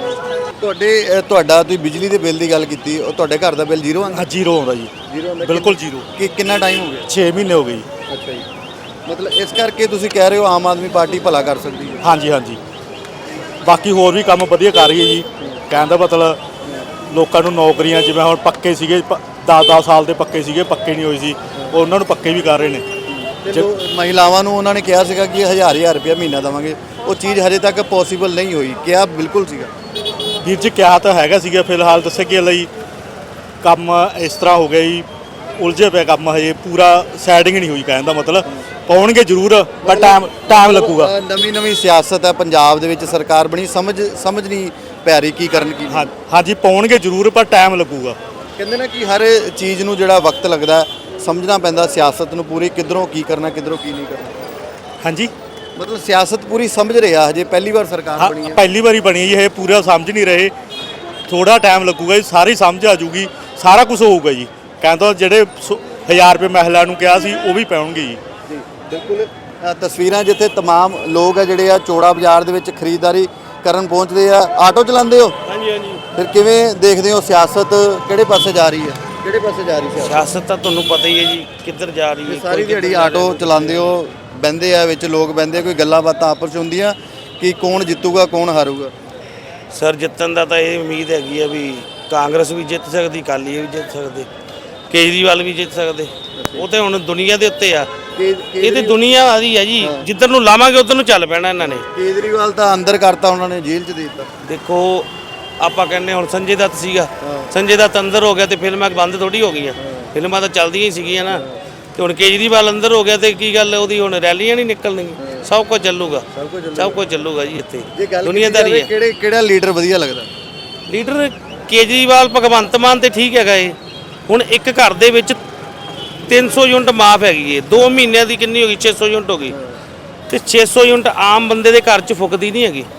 A: ਤੁਹਾਡਾ ਤੁਸੀਂ ਬਿਜਲੀ ਦੇ ਬਿੱਲ ਦੀ ਗੱਲ ਕੀਤੀ, ਉਹ ਤੁਹਾਡੇ ਘਰ ਦਾ ਬਿੱਲ ਜ਼ੀਰੋ ਆਉਂਦਾ?
H: ਜ਼ੀਰੋ ਆਉਂਦਾ ਜੀ,
A: ਜ਼ੀਰੋ ਆਉਂਦਾ?
H: ਬਿਲਕੁਲ ਜ਼ੀਰੋ।
A: ਕਿੰਨਾ ਟਾਈਮ ਹੋ ਗਿਆ?
H: 6 ਮਹੀਨੇ ਹੋ ਗਏ ਜੀ।
A: ਅੱਛਾ ਜੀ, ਮਤਲਬ ਇਸ ਕਰਕੇ ਤੁਸੀਂ ਕਹਿ ਰਹੇ ਹੋ ਆਮ ਆਦਮੀ ਪਾਰਟੀ ਭਲਾ ਕਰ ਸਕਦੀ ਹੈ?
H: ਹਾਂਜੀ ਹਾਂਜੀ, ਬਾਕੀ ਹੋਰ ਵੀ ਕੰਮ ਵਧੀਆ ਕਰ ਰਹੀ ਹੈ ਜੀ। ਕਹਿਣ ਦਾ ਮਤਲਬ ਲੋਕਾਂ ਨੂੰ ਨੌਕਰੀਆਂ, ਜਿਵੇਂ ਹੁਣ ਪੱਕੇ ਸੀਗੇ 10 ਸਾਲ ਦੇ ਪੱਕੇ ਸੀਗੇ, ਪੱਕੇ ਨਹੀਂ ਹੋਏ ਸੀ, ਉਹ ਉਹਨਾਂ ਨੂੰ ਪੱਕੇ ਵੀ ਕਰ ਰਹੇ ਨੇ।
A: ਤੇ ਮਹਿਲਾਵਾਂ ਨੂੰ ਉਹਨਾਂ ਨੇ ਕਿਹਾ ਸੀਗਾ ਕਿ 1000 ਰੁਪਇਆ ਮਹੀਨਾ ਦੇਵਾਂਗੇ, ਉਹ ਚੀਜ਼ ਹਜੇ ਤੱਕ ਪੋਸੀਬਲ ਨਹੀਂ ਹੋਈ। ਕਿਹਾ ਬਿਲਕੁਲ ਸੀਗਾ
H: ਵੀਰ ਜੀ, ਕਿਹਾ ਤਾਂ ਹੈਗਾ ਸੀਗਾ, ਫਿਲਹਾਲ ਦੱਸੇ ਕਿ ਲਈ ਕੰਮ ਇਸ ਤਰ੍ਹਾਂ ਹੋ ਗਿਆ ਜੀ, ਉਲਝੇ ਪਿਆ ਕੰਮ, ਹਜੇ ਪੂਰਾ ਸੈਟਿੰਗ ਨਹੀਂ ਹੋਈ। ਕਹਿਣ ਦਾ ਮਤਲਬ ਪਾਉਣਗੇ ਜ਼ਰੂਰ, ਪਰ ਟਾਈਮ ਲੱਗੂਗਾ।
A: ਨਵੀਂ ਸਿਆਸਤ ਹੈ ਪੰਜਾਬ ਦੇ ਵਿੱਚ, ਸਰਕਾਰ ਬਣੀ, ਸਮਝ ਨਹੀਂ ਪੈ ਰਹੀ ਕੀ ਕਰਨ ਕੀ।
H: ਹਾਂਜੀ, ਪਾਉਣਗੇ ਜ਼ਰੂਰ, ਪਰ ਟਾਈਮ ਲੱਗੂਗਾ।
A: ਕਹਿੰਦੇ ਨਾ ਕਿ ਹਰ ਚੀਜ਼ ਨੂੰ ਜਿਹੜਾ ਵਕਤ ਲੱਗਦਾ, ਸਮਝਣਾ ਪੈਂਦਾ ਸਿਆਸਤ ਨੂੰ ਪੂਰੀ, ਕਿੱਧਰੋਂ ਕੀ ਕਰਨਾ ਕਿੱਧਰੋਂ ਕੀ ਨਹੀਂ ਕਰਨਾ।
H: ਹਾਂਜੀ,
A: ਮਤਲਬ ਸਿਆਸਤ ਪੂਰੀ ਸਮਝ ਰਿਹਾ, ਹਜੇ ਪਹਿਲੀ ਵਾਰ ਸਰਕਾਰ ਬਣੀ ਹੈ।
H: ਪਹਿਲੀ ਵਾਰੀ ਬਣੀ ਹੈ ਜੀ, ਇਹ ਪੂਰਾ ਸਮਝ ਨਹੀਂ ਰਹੇ, ਥੋੜਾ ਟਾਈਮ ਲੱਗੂਗਾ ਜੀ, ਸਾਰੀ ਸਮਝ ਆ ਜੂਗੀ, ਸਾਰਾ ਕੁਝ ਹੋਊਗਾ ਜੀ। ਕਹਿੰਦਾ ਜਿਹੜੇ 1000 ਰੁਪਏ ਮਹਿਲਾ ਨੂੰ ਕਿਹਾ ਸੀ ਉਹ ਵੀ ਪਾਉਣਗੇ ਜੀ।
A: ਜੀ ਬਿਲਕੁਲ। ਤਸਵੀਰਾਂ ਜਿੱਥੇ तमाम ਲੋਕ ਆ ਜਿਹੜੇ ਆ ਚੌੜਾ ਬਾਜ਼ਾਰ ਦੇ ਵਿੱਚ ਖਰੀਦਦਾਰੀ ਕਰਨ ਪਹੁੰਚਦੇ ਆ। ਆਟੋ ਚਲਾਉਂਦੇ ਹੋ?
I: ਹਾਂਜੀ ਹਾਂਜੀ।
A: ਫਿਰ ਕਿਵੇਂ ਦੇਖਦੇ ਹੋ ਸਿਆਸਤ ਕਿਹੜੇ ਪਾਸੇ ਜਾ ਰਹੀ ਹੈ? ਕਿਹੜੇ ਪਾਸੇ ਜਾ ਰਹੀ
I: ਸਿਆਸਤ ਤਾਂ ਤੁਹਾਨੂੰ ਪਤਾ ਹੀ ਹੈ ਜੀ ਕਿੱਧਰ ਜਾ ਰਹੀ ਹੈ।
A: ਸਾਰੀ ਦਿਹਾੜੀ ਆਟੋ ਚਲਾਉਂਦੇ ਹੋ, ਬਹਿੰਦੇ ਆ ਵਿੱਚ ਲੋਕ ਬਹਿੰਦੇ, ਕੋਈ ਗੱਲਾਂ ਬਾਤਾਂ ਆਪਸ 'ਚ ਹੁੰਦੀਆਂ ਕਿ ਕੌਣ ਜਿੱਤੂਗਾ ਕੌਣ ਹਾਰੂਗਾ?
I: ਸਰ, ਜਿੱਤਣ ਦਾ ਤਾਂ ਇਹ ਉਮੀਦ ਹੈਗੀ ਆ ਵੀ ਕਾਂਗਰਸ ਵੀ ਜਿੱਤ ਸਕਦੀ, ਅਕਾਲੀ ਵੀ ਜਿੱਤ ਸਕਦੇ, ਕੇਜਰੀਵਾਲ ਵੀ ਜਿੱਤ ਸਕਦੇ। ਉਹ ਤੇ ਹੁਣ ਦੁਨੀਆ ਦੇ ਉੱਤੇ ਆ, ਇਹ ਤੇ ਦੁਨੀਆ ਆਦੀ ਆ ਜੀ, ਜਿੱਧਰ ਨੂੰ ਲਾਵਾਂਗੇ ਉਧਰ ਨੂੰ ਚੱਲ ਪੈਣਾ ਇਹਨਾਂ ਨੇ।
A: ਕੇਜਰੀਵਾਲ ਤਾਂ ਅੰਦਰ ਕਰਤਾ ਉਹਨਾਂ ਨੇ, ਜੇਲ੍ਹ 'ਚ ਦੇ ਦਿੱਤਾ।
I: ਦੇਖੋ ਆਪਾਂ ਕਹਿੰਦੇ ਹੁਣ ਸੰਜੇ ਦੱਤ ਸੀਗਾ, ਸੰਜੇ ਦੱਤ ਅੰਦਰ ਹੋ ਗਿਆ ਤੇ ਫਿਲਮਾਂ ਬੰਦ ਥੋੜੀ ਹੋ ਗਈਆਂ, ਫਿਲਮਾਂ ਤਾਂ ਚੱਲਦੀਆਂ ਹੀ ਸੀਗੀਆਂ ਨਾ। ਤੇ ਹੁਣ ਕੇਜਰੀਵਾਲ ਅੰਦਰ ਹੋ ਗਿਆ ਤੇ ਕੀ ਗੱਲ, ਉਹਦੀ ਹੁਣ ਰੈਲੀਆਂ ਨਹੀਂ ਨਿਕਲਣਗੀਆਂ, ਸਭ ਕੁਝ ਚੱਲੂਗਾ, ਸਭ ਕੁਝ ਚੱਲੂਗਾ ਜੀ ਇੱਥੇ। ਦੁਨੀਆਦਾਰੀ ਹੈ।
A: ਕਿਹੜਾ ਲੀਡਰ ਵਧੀਆ ਲੱਗਦਾ?
I: ਲੀਡਰ ਕੇਜਰੀਵਾਲ, ਭਗਵੰਤ ਮਾਨ ਤੇ ਠੀਕ ਹੈਗਾ ਏ। ਹੁਣ ਇੱਕ ਘਰ ਦੇ ਵਿੱਚ 300 ਯੂਨਿਟ ਮਾਫ ਹੈਗੀ ਏ, 2 ਮਹੀਨਿਆਂ ਦੀ ਕਿੰਨੀ ਹੋ ਗਈ? 600 ਯੂਨਿਟ ਹੋ ਗਈ। ਤੇ 600 ਯੂਨਿਟ ਆਮ ਬੰਦੇ ਦੇ ਘਰ 'ਚ ਫੁੱਕਦੀ ਨਹੀਂ ਹੈਗੀ,